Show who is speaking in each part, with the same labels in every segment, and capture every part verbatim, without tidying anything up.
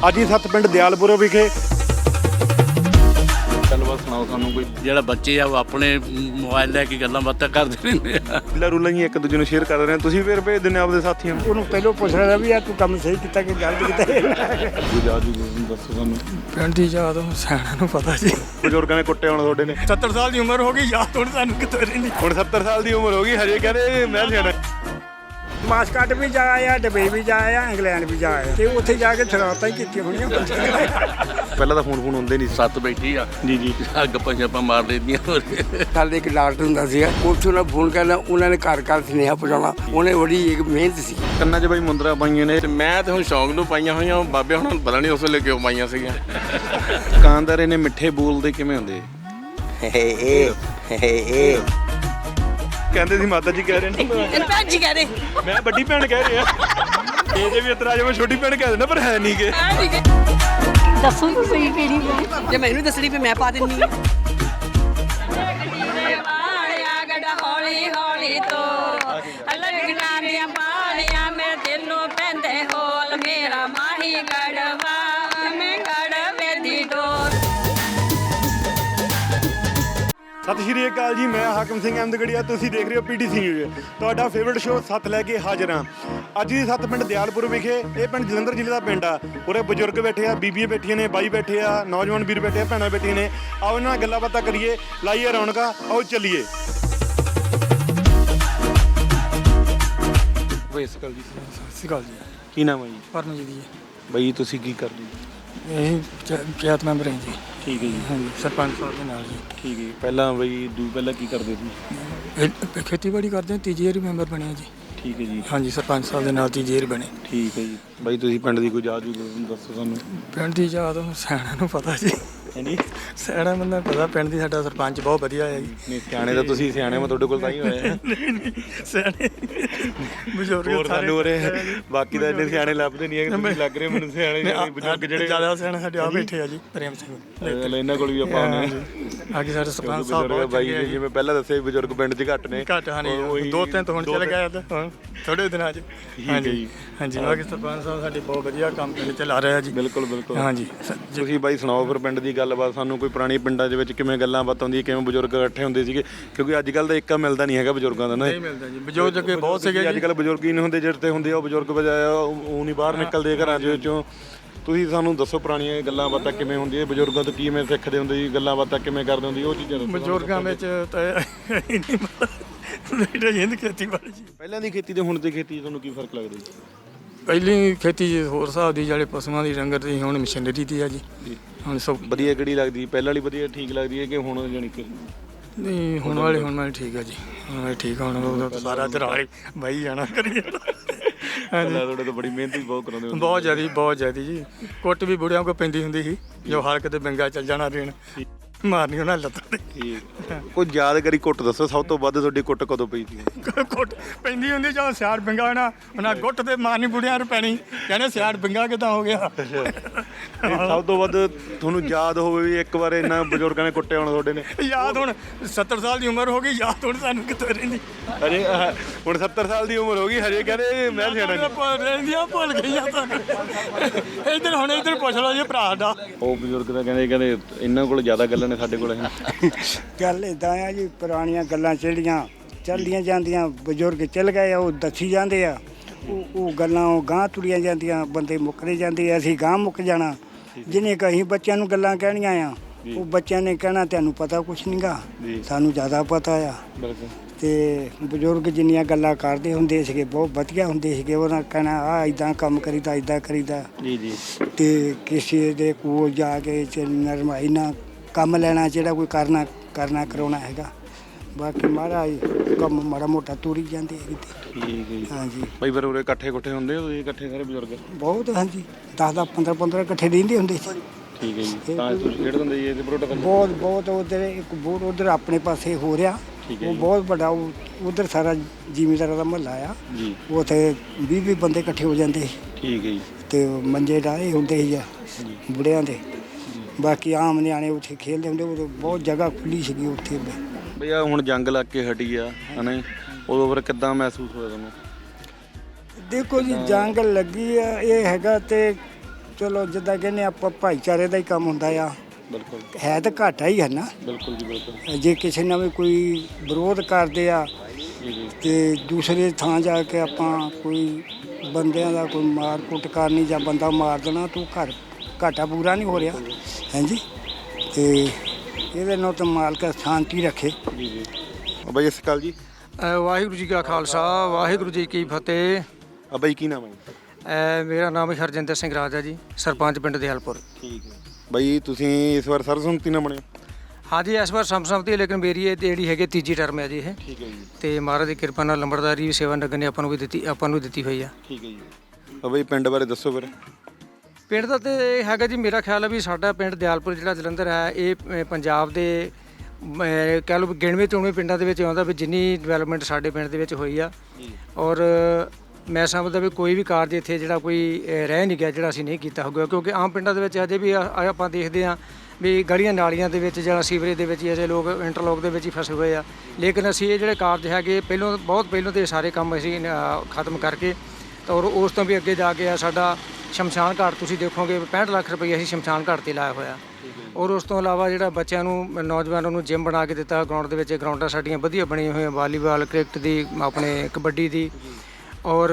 Speaker 1: ਅੱਜ ਹੀ ਸੱਤ ਪਿੰਡ ਦਿਆਲਪੁਰ ਵਿਖੇ
Speaker 2: ਗੱਲਬਾਤ ਸੁਣਾਓ ਸਾਨੂੰ ਕੋਈ।
Speaker 3: ਜਿਹੜਾ ਬੱਚੇ ਆ ਉਹ ਆਪਣੇ ਮੋਬਾਈਲ ਲੈ ਕੇ ਗੱਲਾਂ ਬਾਤਾਂ ਕਰਦੇ ਰਹਿੰਦੇ ਆ।
Speaker 1: ਰੀਲਾਂ ਰੂਲਾਂ ਹੀ ਇੱਕ ਦੂਜੇ ਨੂੰ ਸ਼ੇਅਰ ਕਰ ਰਹੇ ਆ, ਤੁਸੀਂ ਫਿਰ ਭੇਜ ਦਿੰਦੇ ਆਪਦੇ ਸਾਥੀਆਂ ਨੂੰ।
Speaker 4: ਉਹਨੂੰ ਪਹਿਲਾਂ ਪੁੱਛ ਲੈਣਾ ਵੀ ਆ ਤੂੰ ਕੰਮ ਸਹੀ ਕੀਤਾ ਕਿ ਗਲਤ ਕੀਤਾ।
Speaker 2: ਕੋਈ ਯਾਦ ਵੀ ਦੱਸੋ ਸਾਨੂੰ।
Speaker 4: ਪਿੰਡ ਦੀ ਯਾਦ ਸਿਆਣਾ ਨੂੰ ਪਤਾ ਜੀ।
Speaker 1: ਬਜ਼ੁਰਗਾਂ ਨੇ ਕੁੱਟੇ ਹੋਣ ਤੁਹਾਡੇ ਨੇ।
Speaker 4: ਸੱਤਰ ਸਾਲ ਦੀ ਉਮਰ ਹੋ ਗਈ, ਯਾਦ ਹੁਣ ਸਾਨੂੰ ਕਿੱਥੋਂ ਰਹਿੰਦੀ।
Speaker 1: ਹੁਣ ਸੱਤਰ ਸਾਲ ਦੀ ਉਮਰ ਹੋ ਗਈ, ਹਜੇ ਕਹਿੰਦੇ ਮੈਂ ਸਿਆਣਾ।
Speaker 4: ਮਾਸਕਟ ਵੀ ਜਾ ਆਇਆ, ਦੁਬਈ ਵੀ ਜਾ ਆਇਆ, ਇੰਗਲੈਂਡ ਵੀ ਜਾ ਆਇਆ ਤੇ ਉੱਥੇ ਜਾ ਕੇ ਸ਼ਰਾਰਤਾਂ ਹੀ ਕੀਤੀਆਂ ਹੋਣੀਆਂ।
Speaker 1: ਪਹਿਲਾਂ ਤਾਂ ਫੋਨ ਫੋਨ ਹੁੰਦੇ ਨਹੀਂ ਸੀ।
Speaker 3: ਸੱਤ ਬੈਠੀ ਆ
Speaker 1: ਜੀ ਜੀ
Speaker 3: ਗੱਪਾਂ ਛਾਪਾਂ ਮਾਰ ਲੈਂਦੀਆਂ।
Speaker 5: ਸਾਡੇ ਇੱਕ ਡਾਕਟਰ ਹੁੰਦਾ ਸੀਗਾ, ਉੱਥੋਂ ਨਾਲ ਫੋਨ ਕਰਨਾ, ਉਹਨਾਂ ਨੇ ਘਰ ਘਰ ਸੁਨੇਹਾ ਪਹੁੰਚਾਉਣਾ। ਉਹਨੇ ਬੜੀ ਇੱਕ ਮਿਹਨਤ ਸੀ।
Speaker 1: ਕੰਨਾਂ 'ਚ ਬਾਈ ਮੁੰਦਰਾ ਪਾਈਆਂ ਨੇ।
Speaker 2: ਤੇ ਮੈਂ ਤੇ ਹੁਣ ਸ਼ੌਂਕ ਨੂੰ ਪਾਈਆਂ ਹੋਈਆਂ, ਬਾਬੇ ਹੁਣ ਪਤਾ ਨਹੀਂ ਉਸ ਵੇਲੇ ਕਿਉਂ ਪਾਈਆਂ ਸੀਗੀਆਂ।
Speaker 1: ਦੁਕਾਨਦਾਰ ਨੇ ਮਿੱਠੇ ਬੋਲਦੇ ਕਿਵੇਂ ਹੁੰਦੇ? ਕਹਿੰਦੇ ਸੀ ਮਾਤਾ ਜੀ ਕਹਿ ਰਹੇ ਨੇ।
Speaker 6: ਭੈਣ ਜੀ ਕਹਦੇ
Speaker 1: ਮੈਂ ਵੱਡੀ ਭੈਣ ਕਹਿ ਰਿਹਾ। ਇਹਦੇ ਵੀ ਇਤਰਾਜ ਮੈਂ ਛੋਟੀ ਭੈਣ ਕਹਿ ਦਿੰਦਾ, ਪਰ ਹੈ ਨਹੀਂ ਗੇ।
Speaker 6: ਦੱਸੋ ਤੁਸੀਂ ਕਿਹੜੀ ਹੈ ਜੇ ਮੈਨੂੰ ਦੱਸਣੀ ਵੀ ਮੈਂ ਪਾ ਦਿੰਨੀ ਆ। ਹੌਲੀ ਹੌਲੀ ਤੋਂ ਲੱਗਣਾ ਦੀਆਂ ਬਾਲੀਆਂ ਮੇਰੇ ਦਿਲ ਨੂੰ ਪੈਂਦੇ ਹੋਲ ਮੇਰਾ ਮਾਹੀ ਗੜਵਾ ਮੈਂ ਗੜਵੇ ਦੀ ਡੋਰ।
Speaker 1: ਸਤਿ ਸ਼੍ਰੀ ਅਕਾਲ ਜੀ, ਮੈਂ ਹਾਕਮ ਸਿੰਘ ਅਹਿਮਦਗੜੀਆ, ਤੁਸੀਂ ਦੇਖ ਰਹੇ ਹੋ ਪੀਟੀਸੀ ਨਿਊਜ਼। ਤੁਹਾਡਾ ਫੇਵਰਟ ਸ਼ੋਅ ਸੱਤ ਲੈ ਕੇ ਹਾਜ਼ਰ ਹਾਂ। ਅੱਜ ਦੀ ਸੱਤ ਪਿੰਡ ਦਿਆਲਪੁਰ ਵਿਖੇ। ਇਹ ਪਿੰਡ ਜਲੰਧਰ ਜ਼ਿਲ੍ਹੇ ਦਾ ਪਿੰਡ ਆ। ਉਰੇ ਬਜ਼ੁਰਗ ਬੈਠੇ ਆ, ਬੀਬੀਆਂ ਬੈਠੀਆਂ ਨੇ, ਬਾਈ ਬੈਠੇ ਆ, ਨੌਜਵਾਨ ਵੀਰ ਬੈਠੇ ਆ, ਭੈਣਾਂ ਬੈਠੀਆਂ ਨੇ। ਆਓ ਇਹਨਾਂ ਨਾਲ ਗੱਲਾਂ ਬਾਤਾਂ ਕਰੀਏ, ਲਾਈਏ ਰੌਣਕਾਂ, ਆਓ ਚੱਲੀਏ। ਸਤਿ ਸ਼੍ਰੀ ਅਕਾਲ ਜੀ।
Speaker 4: ਸਤਿ ਸ਼੍ਰੀ ਅਕਾਲ ਜੀ।
Speaker 1: ਕੀ ਨਾਮ ਹੈ ਜੀ?
Speaker 4: ਪਰਮਜੀਤ ਜੀ।
Speaker 1: ਬਾਈ ਤੁਸੀਂ ਕੀ ਕਰਦੇ ਜੀ?
Speaker 4: ਇਹ ਪੰਚਾਇਤ ਮੈਂਬਰ ਹੈ ਜੀ।
Speaker 1: ਠੀਕ ਹੈ ਜੀ।
Speaker 4: ਹਾਂਜੀ, ਸਰਪੰਚ ਸਾਹਿਬ ਦੇ ਨਾਲ ਜੀ।
Speaker 1: ਠੀਕ ਹੈ ਜੀ। ਪਹਿਲਾਂ ਬਈ ਦੂ ਪਹਿਲਾਂ ਕੀ ਕਰਦੇ ਸੀ?
Speaker 4: ਇਹ ਖੇਤੀਬਾੜੀ ਕਰਦੇ ਹਾਂ, ਤੀਜੀ ਵਾਰੀ ਮੈਂਬਰ ਬਣਿਆ ਜੀ।
Speaker 1: ਠੀਕ ਹੈ ਜੀ।
Speaker 4: ਹਾਂਜੀ, ਸਰਪੰਚ ਸਾਹਿਬ ਦੇ ਨਾਲ ਤੀਜੀ ਵਾਰੀ ਬਣੇ।
Speaker 1: ਠੀਕ ਹੈ ਜੀ। ਬਾਈ ਤੁਸੀਂ ਪਿੰਡ ਦੀ ਕੋਈ ਯਾਦ ਦੱਸੋ ਸਾਨੂੰ।
Speaker 4: ਪਿੰਡ ਦੀ ਯਾਦ ਸਿਆਣਾ ਨੂੰ ਪਤਾ ਜੀ।
Speaker 1: ਹਾਂਜੀ,
Speaker 4: ਸਿਆਣਾ ਬੰਦਾ ਪਤਾ। ਪਿੰਡ ਦੀ ਸਾਡਾ ਸਰਪੰਚ ਬਹੁਤ ਵਧੀਆ ਹੈ ਜੀ।
Speaker 1: ਨਹੀਂ ਸਿਆਣੇ ਤਾਂ ਤੁਸੀਂ ਸਿਆਣੇ, ਮੈਂ ਤੁਹਾਡੇ ਕੋਲ ਤਾਂ ਹੀ ਹੋਇਆ।
Speaker 4: ਸਿਆਣੇ ਬਜ਼ੁਰਗ
Speaker 1: ਹੋਰ ਸਾਨੂੰ ਉਰੇ ਬਾਕੀ ਤਾਂ ਇੰਨੇ ਸਿਆਣੇ ਲੱਭਦੇ ਨਹੀਂ ਹੈਗੇ, ਤੁਸੀਂ ਲੱਗ ਰਹੇ ਮੈਨੂੰ ਸਿਆਣੇ। ਬਜ਼ੁਰਗ ਜਿਹੜੇ
Speaker 4: ਜ਼ਿਆਦਾ ਸਿਆਣੇ ਸਾਡੇ ਆ ਬੈਠੇ ਆ ਜੀ। ਪ੍ਰੇਮ ਸਿੰਘ
Speaker 1: ਇਹਨਾਂ ਕੋਲ ਵੀ ਆਪਾਂ ਆਉਂਦੇ ਹਾਂ।
Speaker 4: ਅੱਗੇ ਸਾਡੇ ਸਰਪੰਚ ਸਾਹਿਬ
Speaker 1: ਬਜ਼ੁਰਗ ਬਾਈ ਨੇ ਜਿਵੇਂ ਪਹਿਲਾਂ ਦੱਸਿਆ ਬਜ਼ੁਰਗ ਪਿੰਡ 'ਚ ਘੱਟ ਨੇ।
Speaker 4: ਘੱਟ ਹਾਨੀ ਦੋ ਤਿੰਨ ਤੋਂ ਹੁਣ ਚੱਲ ਗਿਆ ਹੁਣ ਥੋੜੇ ਦਿਨਾਂ 'ਚ। ਹਾਂਜੀ ਹਾਂਜੀ, ਬਾਕੀ ਸਰਪੰਚ ਸਾਹਿਬ ਸਾਡੇ ਬਹੁਤ ਵਧੀਆ ਕੰਮ ਪਿੰਡ 'ਚ ਲਾ ਰਹੇ ਆ ਜੀ।
Speaker 1: ਬਿਲਕੁਲ ਬਿਲਕੁਲ।
Speaker 4: ਹਾਂਜੀ,
Speaker 1: ਤੁਸੀਂ ਬਾਈ ਸੁਣਾਓ ਫਿਰ ਪਿੰਡ ਦੀ ਗੱਲਬਾਤ ਸਾਨੂੰ। ਕੋਈ ਪੁਰਾਣੀ ਪਿੰਡਾਂ ਦੇ ਵਿੱਚ ਕਿਵੇਂ ਗੱਲਾਂ ਬਾਤਾਂ ਹੁੰਦੀਆਂ, ਕਿਵੇਂ ਬਜ਼ੁਰਗ ਇਕੱਠੇ ਹੁੰਦੇ ਸੀਗੇ? ਕਿਉਂਕਿ ਅੱਜ ਕੱਲ੍ਹ ਤਾਂ ਇੱਕਾ ਮਿਲਦਾ ਨਹੀਂ ਹੈਗਾ ਬਜ਼ੁਰਗਾਂ ਦਾ ਨਾ।
Speaker 4: ਨਹੀਂ ਮਿਲਦਾ ਜੀ, ਬਜ਼ੁਰਗ ਅੱਗੇ ਬਹੁਤ ਸੀਗੇ।
Speaker 1: ਅੱਜ ਕੱਲ੍ਹ ਬਜ਼ੁਰਗ ਹੀ ਨਹੀਂ ਹੁੰਦੇ, ਜਿਹੜੇ ਤੇ ਹੁੰਦੇ ਆ ਉਹ ਬਜ਼ੁਰਗ ਬਜਾਇਆ ਉਹ ਨਹੀਂ ਬਾਹਰ ਨਿਕਲਦੇ ਘਰਾਂ ਦੇ ਵਿੱਚੋਂ। ਤੁਸੀਂ ਸਾਨੂੰ ਦੱਸੋ ਪੁਰਾਣੀਆਂ ਗੱਲਾਂ ਬਾਤਾਂ ਕਿਵੇਂ ਹੁੰਦੀਆਂ, ਬਜ਼ੁਰਗਾਂ ਤੋਂ ਕਿਵੇਂ ਸਿੱਖਦੇ ਹੁੰਦੇ ਜੀ, ਗੱਲਾਂ ਬਾਤਾਂ ਕਿਵੇਂ ਕਰਦੇ ਹੁੰਦੇ, ਉਹ ਚੀਜ਼ਾਂ ਦੱਸੋ।
Speaker 4: ਬਜ਼ੁਰਗਾਂ ਵਿੱਚ ਤਾਂ ਬੇਟਾ ਜਿੰਦ ਖੇਤੀਬਾੜੀ ਜੀ।
Speaker 1: ਪਹਿਲਾਂ ਦੀ ਖੇਤੀ ਤੇ ਹੁਣ ਦੀ ਖੇਤੀ 'ਚ ਤੁਹਾਨੂੰ ਕੀ ਫਰਕ ਲੱਗਦਾ ਜੀ?
Speaker 4: ਪਹਿਲੀ ਖੇਤੀ ਹੋਰ ਹਿਸਾਬ ਦੀ, ਜਿਹੜੇ ਪਸ਼ੂਆਂ ਦੀ ਡੰਗਰ ਦੀ, ਹੁਣ ਮਸ਼ੀਨਰੀ ਦੀ ਆ ਜੀ। ਹੁਣ ਸਭ
Speaker 1: ਵਧੀਆ ਕਿਹੜੀ ਲੱਗਦੀ? ਪਹਿਲਾਂ ਵਾਲੀ ਵਧੀਆ ਠੀਕ ਲੱਗਦੀ ਹੈ ਕਿ ਹੁਣ ਜਾਣੀ ਕਿ?
Speaker 4: ਨਹੀਂ, ਹੁਣ ਵਾਲੇ ਹੁਣ ਵਾਲੇ ਠੀਕ ਆ ਜੀ। ਹੁਣ ਵਾਲੇ ਠੀਕ ਆ। ਹੁਣ ਉਹ ਸਾਰਾ ਚਰਾਲੀ ਬਾਈ ਜਾਣਾ ਕਰੀ ਜਾਣਾ। ਹਾਂਜੀ,
Speaker 1: ਤੁਹਾਡੇ ਤਾਂ ਬੜੀ ਮਿਹਨਤ ਵੀ ਬਹੁਤ ਕਰਾਉਂਦੇ ਹੁੰਦੇ।
Speaker 4: ਬਹੁਤ ਜ਼ਿਆਦਾ ਬਹੁਤ ਜ਼ਿਆਦਾ ਜੀ। ਕੁੱਟ ਵੀ ਬੁੜਿਆਂ ਕੋਲ ਪੈਂਦੀ ਹੁੰਦੀ ਸੀ, ਜੋ ਹਰ ਕਿਤੇ ਬੰਗਾ ਚੱਲ ਜਾਣਾ ਦੇਣ, ਮਾਰਨੀ ਉਹਨਾਂ ਲੱਤਾਂ ਤੇ।
Speaker 1: ਠੀਕ। ਕੋਈ ਯਾਦਗਾਰੀ ਕੁੱਟ ਦੱਸੋ, ਸਭ ਤੋਂ ਵੱਧ ਤੁਹਾਡੀ ਕੁੱਟ ਕਦੋਂ ਪਈ ਸੀ?
Speaker 4: ਕੁੱਟ ਪੈਂਦੀ ਹੁੰਦੀ ਜਦੋਂ ਸਿਆੜ ਬੰਗਾ ਹੋਣਾ, ਉਹਨਾਂ ਗੁੱਟ ਤੇ ਮਾਰਨੀ ਬੁੜਿਆਂ ਨੂੰ ਪੈਣੀ। ਕਹਿੰਦੇ ਸਿਆੜ ਬੰਗਾ ਕਿੱਦਾਂ ਹੋ ਗਿਆ।
Speaker 1: ਸਭ ਤੋਂ ਵੱਧ ਤੁਹਾਨੂੰ ਯਾਦ ਹੋਵੇ ਵੀ ਇੱਕ ਵਾਰ ਇੰਨਾ ਬਜ਼ੁਰਗਾਂ ਨੇ ਕੁੱਟੇ ਹੋਣ ਤੁਹਾਡੇ ਨੇ?
Speaker 4: ਯਾਦ ਹੁਣ ਸੱਤਰ ਸਾਲ ਦੀ ਉਮਰ ਹੋ ਗਈ, ਯਾਦ ਹੁਣ ਸਾਨੂੰ ਕਿੱਥੋਂ ਰਹਿੰਦੀ।
Speaker 1: ਅਰੇ ਹੁਣ ਸੱਤਰ ਸਾਲ ਦੀ ਉਮਰ ਹੋ ਗਈ, ਹਜੇ ਕਹਿੰਦੇ ਮੈਂ ਸਿਆਣਾ ਨਹੀਂ।
Speaker 4: ਰਹਿੰਦੀਆਂ ਭੁੱਲ ਗਈਆਂ ਤਾਂ। ਇੱਧਰ ਹੁਣ ਇੱਧਰ ਪੁੱਛ ਲਓ ਜੀ ਭਰਾ ਦਾ।
Speaker 1: ਉਹ ਬਜ਼ੁਰਗ ਤਾਂ ਕਹਿੰਦੇ ਕਹਿੰਦੇ ਇਹਨਾਂ ਕੋਲ ਜ਼ਿਆਦਾ ਗੱਲਾਂ ਨੇ, ਸਾਡੇ ਕੋਲ
Speaker 7: ਗੱਲ ਇੱਦਾਂ ਆ ਜੀ, ਪੁਰਾਣੀਆਂ ਗੱਲਾਂ ਜਿਹੜੀਆਂ ਚੱਲਦੀਆਂ ਜਾਂਦੀਆਂ, ਬਜ਼ੁਰਗ ਚੱਲ ਗਏ ਉਹ ਦੱਸੀ ਜਾਂਦੇ ਆ। ਉਹ ਉਹ ਗੱਲਾਂ ਉਹ ਗਾਂਹ ਤੁਰੀਆਂ ਜਾਂਦੀਆਂ, ਬੰਦੇ ਮੁੱਕਦੇ ਜਾਂਦੇ, ਅਸੀਂ ਗਾਂਹ ਮੁੱਕ ਜਾਣਾ। ਜਿਹਨੇ ਕਹੀਂ ਬੱਚਿਆਂ ਨੂੰ ਗੱਲਾਂ ਕਹਿਣੀਆਂ ਆ, ਉਹ ਬੱਚਿਆਂ ਨੇ ਕਹਿਣਾ ਤੁਹਾਨੂੰ ਪਤਾ ਕੁਛ ਨਹੀਂ ਗਾ, ਸਾਨੂੰ ਜ਼ਿਆਦਾ ਪਤਾ ਆ। ਤੇ ਬਜ਼ੁਰਗ ਜਿੰਨੀਆਂ ਗੱਲਾਂ ਕਰਦੇ ਹੁੰਦੇ ਸੀਗੇ ਬਹੁਤ ਵਧੀਆ ਹੁੰਦੇ ਸੀਗੇ। ਉਹਨਾਂ ਕਹਿਣਾ ਆਹ ਇੱਦਾਂ ਕੰਮ ਕਰੀਦਾ, ਇੱਦਾਂ ਕਰੀਦਾ ਜੀ ਜੀ। ਤੇ ਕਿਸੇ ਦੇ ਕੋਲ ਜਾ ਕੇ ਨਰਮਾਈ ਨਾਲ ਕੰਮ ਲੈਣਾ, ਜਿਹੜਾ ਕੋਈ ਕਰਨਾ ਕਰਨਾ ਕਰਾਉਣਾ ਹੈਗਾ। ਬਾਕੀ ਮਹਾਰਾਜ ਕੰਮ ਮਾੜਾ ਮੋਟਾ ਤੁਰੀ ਜਾਂਦੇ ਹੈਗੇ।
Speaker 1: ਠੀਕ ਹੈ ਜੀ।
Speaker 7: ਹਾਂਜੀ
Speaker 1: ਬਈ ਫਿਰ ਉਰੇ ਇਕੱਠੇ ਇਕੱਠੇ ਹੁੰਦੇ ਹੋ ਇਕੱਠੇ ਸਾਰੇ ਬਜ਼ੁਰਗ?
Speaker 7: ਬਹੁਤ। ਹਾਂਜੀ, ਦਸ ਦਸ ਪੰਦਰਾਂ ਪੰਦਰਾਂ ਇਕੱਠੇ ਰਹਿੰਦੇ ਹੁੰਦੇ ਸੀ।
Speaker 1: ਠੀਕ ਹੈ ਜੀ। ਤਾਂ ਤੁਸੀਂ ਖੇਡਦੇ ਹੁੰਦੇ ਜੀ ਇਹਦੇ ਪਰੋਟਾ?
Speaker 7: ਬਹੁਤ ਬਹੁਤ। ਉੱਧਰ ਇੱਕ ਬੋਰ ਉੱਧਰ ਆਪਣੇ ਪਾਸੇ ਹੋ ਰਿਹਾ, ਉਹ ਬਹੁਤ ਵੱਡਾ। ਉੱਧਰ ਸਾਰਾ ਜ਼ਿਮੀਂਦਾਰਾਂ ਦਾ ਮੁਹੱਲਾ ਆ ਜੀ। ਉੱਥੇ ਵੀਹ ਵੀਹ ਬੰਦੇ ਇਕੱਠੇ ਹੋ ਜਾਂਦੇ ਸੀ।
Speaker 1: ਠੀਕ ਹੈ ਜੀ।
Speaker 7: ਤੇ ਮੰਜੇ ਡਾਏ ਹੁੰਦੇ ਸੀ ਬੁੜਿਆਂ ਦੇ। ਬਾਕੀ ਆਮ ਨਿਆਣੇ ਉੱਥੇ ਖੇਡਦੇ ਹੁੰਦੇ। ਉਦੋਂ ਬਹੁਤ ਜਗ੍ਹਾ ਖੁੱਲੀ ਸੀਗੀ ਉੱਥੇ।
Speaker 1: ਬਈ ਆ ਹੁਣ ਜੰਗ ਲੱਗ ਕੇ ਹਟੀ ਆ ਹਨਾ, ਉਦੋਂ ਫਿਰ ਕਿੱਦਾਂ ਮਹਿਸੂਸ ਹੋਇਆ ਤੁਹਾਨੂੰ?
Speaker 7: ਦੇਖੋ ਜੀ, ਜੰਗ ਲੱਗੀ ਆ, ਇਹ ਹੈਗਾ ਤੇ ਚਲੋ ਜਿੱਦਾਂ ਕਹਿੰਦੇ ਆਪਾਂ ਭਾਈਚਾਰੇ ਦਾ ਹੀ ਕੰਮ ਹੁੰਦਾ ਆ।
Speaker 1: ਬਿਲਕੁਲ
Speaker 7: ਹੈ ਤਾਂ ਘਾਟਾ ਹੀ ਹੈ ਨਾ।
Speaker 1: ਬਿਲਕੁਲ ਜੀ ਬਿਲਕੁਲ
Speaker 7: ਜੇ ਕਿਸੇ ਨਾਲ ਵੀ ਕੋਈ ਵਿਰੋਧ ਕਰਦੇ ਆ ਤੇ ਦੂਸਰੇ ਥਾਂ ਜਾ ਕੇ ਆਪਾਂ ਕੋਈ ਬੰਦਿਆਂ ਦਾ ਕੋਈ ਮਾਰ ਕੁੱਟ ਕਰਨੀ ਜਾਂ ਬੰਦਾ ਮਾਰ ਦੇਣਾ ਤੂੰ ਘਰ ਘਾਟਾ ਪੂਰਾ ਨਹੀਂ ਹੋ ਰਿਹਾ ਹਾਂਜੀ। ਤੇ ਇਹਦੇ ਨਾਲ ਤਾਂ ਮਾਲਕ ਸ਼ਾਂਤੀ ਰੱਖੇ।
Speaker 1: ਜੀ ਜੀ ਬਾਈ ਸਤਿ ਸ਼੍ਰੀ ਅਕਾਲ ਜੀ।
Speaker 4: ਅ, ਵਾਹਿਗੁਰੂ ਜੀ ਕਾ ਖਾਲਸਾ ਵਾਹਿਗੁਰੂ ਜੀ ਕੀ ਫਤਿਹ।
Speaker 1: ਆ ਬਾਈ ਕੀ ਨਾਮ ਹੈ ਜੀ?
Speaker 4: ਅ, ਮੇਰਾ ਨਾਮ ਹਰਜਿੰਦਰ ਸਿੰਘ ਰਾਜਾ ਜੀ, ਸਰਪੰਚ ਪਿੰਡ ਦਿਆਲਪੁਰ।
Speaker 1: ਠੀਕ ਹੈ ਬਾਈ, ਤੁਸੀਂ ਇਸ ਵਾਰ ਸਰਬਸੰਮਤੀ ਨਾਲ ਬਣੇ?
Speaker 4: ਹਾਂਜੀ ਇਸ ਵਾਰ ਸਰਬਸੰਮਤੀ ਹੈ, ਲੇਕਿਨ ਮੇਰੀ ਇਹ ਜਿਹੜੀ ਹੈਗੀ ਤੀਜੀ ਟਰਮ ਹੈ ਜੀ ਇਹ।
Speaker 1: ਠੀਕ ਹੈ ਜੀ।
Speaker 4: ਤੇ ਮਹਾਰਾਜ ਦੀ ਕਿਰਪਾ ਨਾਲ ਲੰਬੜਦਾਰੀ ਸੇਵਾ ਨਗਰ ਨੇ ਆਪਾਂ ਨੂੰ ਵੀ ਦਿੱਤੀ ਆਪਾਂ ਨੂੰ ਦਿੱਤੀ ਹੋਈ ਆ।
Speaker 1: ਠੀਕ ਹੈ ਜੀ। ਆ ਬਾਈ ਪਿੰਡ ਬਾਰੇ ਦੱਸੋ ਫਿਰ।
Speaker 4: ਪਿੰਡ ਦਾ ਤੇ ਇਹ ਹੈਗਾ ਜੀ, ਮੇਰਾ ਖਿਆਲ ਹੈ ਵੀ ਸਾਡਾ ਪਿੰਡ ਦਿਆਲਪੁਰ ਜਿਹੜਾ ਜਲੰਧਰ ਹੈ ਇਹ ਅ, ਪੰਜਾਬ ਦੇ ਅ, ਕਹਿ ਲਓ ਵੀ ਗਿਣਵੇਂ ਚੁਣਵੇਂ ਪਿੰਡਾਂ ਦੇ ਵਿੱਚ ਆਉਂਦਾ ਵੀ ਜਿੰਨੀ ਡਿਵੈਲਪਮੈਂਟ ਸਾਡੇ ਪਿੰਡ ਦੇ ਵਿੱਚ ਹੋਈ ਆ। ਔਰ ਮੈਂ ਸਮਝਦਾ ਵੀ ਕੋਈ ਵੀ ਕਾਰਜ ਇੱਥੇ ਜਿਹੜਾ ਕੋਈ ਅ, ਰਹਿ ਨਹੀਂ ਗਿਆ ਜਿਹੜਾ ਅਸੀਂ ਨਹੀਂ ਕੀਤਾ ਹੋਊਗਾ, ਕਿਉਂਕਿ ਆਮ ਪਿੰਡਾਂ ਦੇ ਵਿੱਚ ਅਜੇ ਵੀ ਆ- ਆ ਆਪਾਂ ਦੇਖਦੇ ਹਾਂ ਵੀ ਗਲੀਆਂ ਨਾਲੀਆਂ ਦੇ ਵਿੱਚ ਜਾਂ ਸੀਵਰੇਜ ਦੇ ਵਿੱਚ ਹੀ ਅਜੇ ਲੋਕ ਇੰਟਰਲੋਕ ਦੇ ਵਿੱਚ ਹੀ ਫਸੇ ਹੋਏ ਆ। ਲੇਕਿਨ ਅਸੀਂ ਇਹ ਜਿਹੜੇ ਕਾਰਜ ਹੈਗੇ ਪਹਿਲੋਂ ਬਹੁਤ ਪਹਿਲੋਂ ਤੇ ਸਾਰੇ ਕੰਮ ਅਸੀਂ ਅ, ਖਤਮ ਕਰਕੇ ਤਾਂ ਔਰ ਉਸ ਤੋਂ ਵੀ ਅੱਗੇ ਜਾ ਕੇ ਆ ਸਾਡਾ ਸ਼ਮਸ਼ਾਨ ਘਾਟ ਤੁਸੀਂ ਦੇਖੋਗੇ ਪੈਂਹਠ ਲੱਖ ਰੁਪਏ ਅਸੀਂ ਸ਼ਮਸ਼ਾਨ ਘਾਟ ਤੇ ਲਾਇਆ ਹੋਇਆ। ਔਰ ਉਸ ਤੋਂ ਇਲਾਵਾ ਜਿਹੜਾ ਬੱਚਿਆਂ ਨੂੰ ਨੌਜਵਾਨਾਂ ਨੂੰ ਜਿਮ ਬਣਾ ਕੇ ਦਿੱਤਾ ਗਰਾਊਂਡ ਦੇ ਵਿੱਚ। ਗਰਾਊਂਡਾਂ ਸਾਡੀਆਂ ਵਧੀਆ ਬਣੀਆਂ ਹੋਈਆਂ, ਵਾਲੀਬਾਲ ਕ੍ਰਿਕਟ ਦੀ ਆਪਣੇ ਕਬੱਡੀ ਦੀ। ਔਰ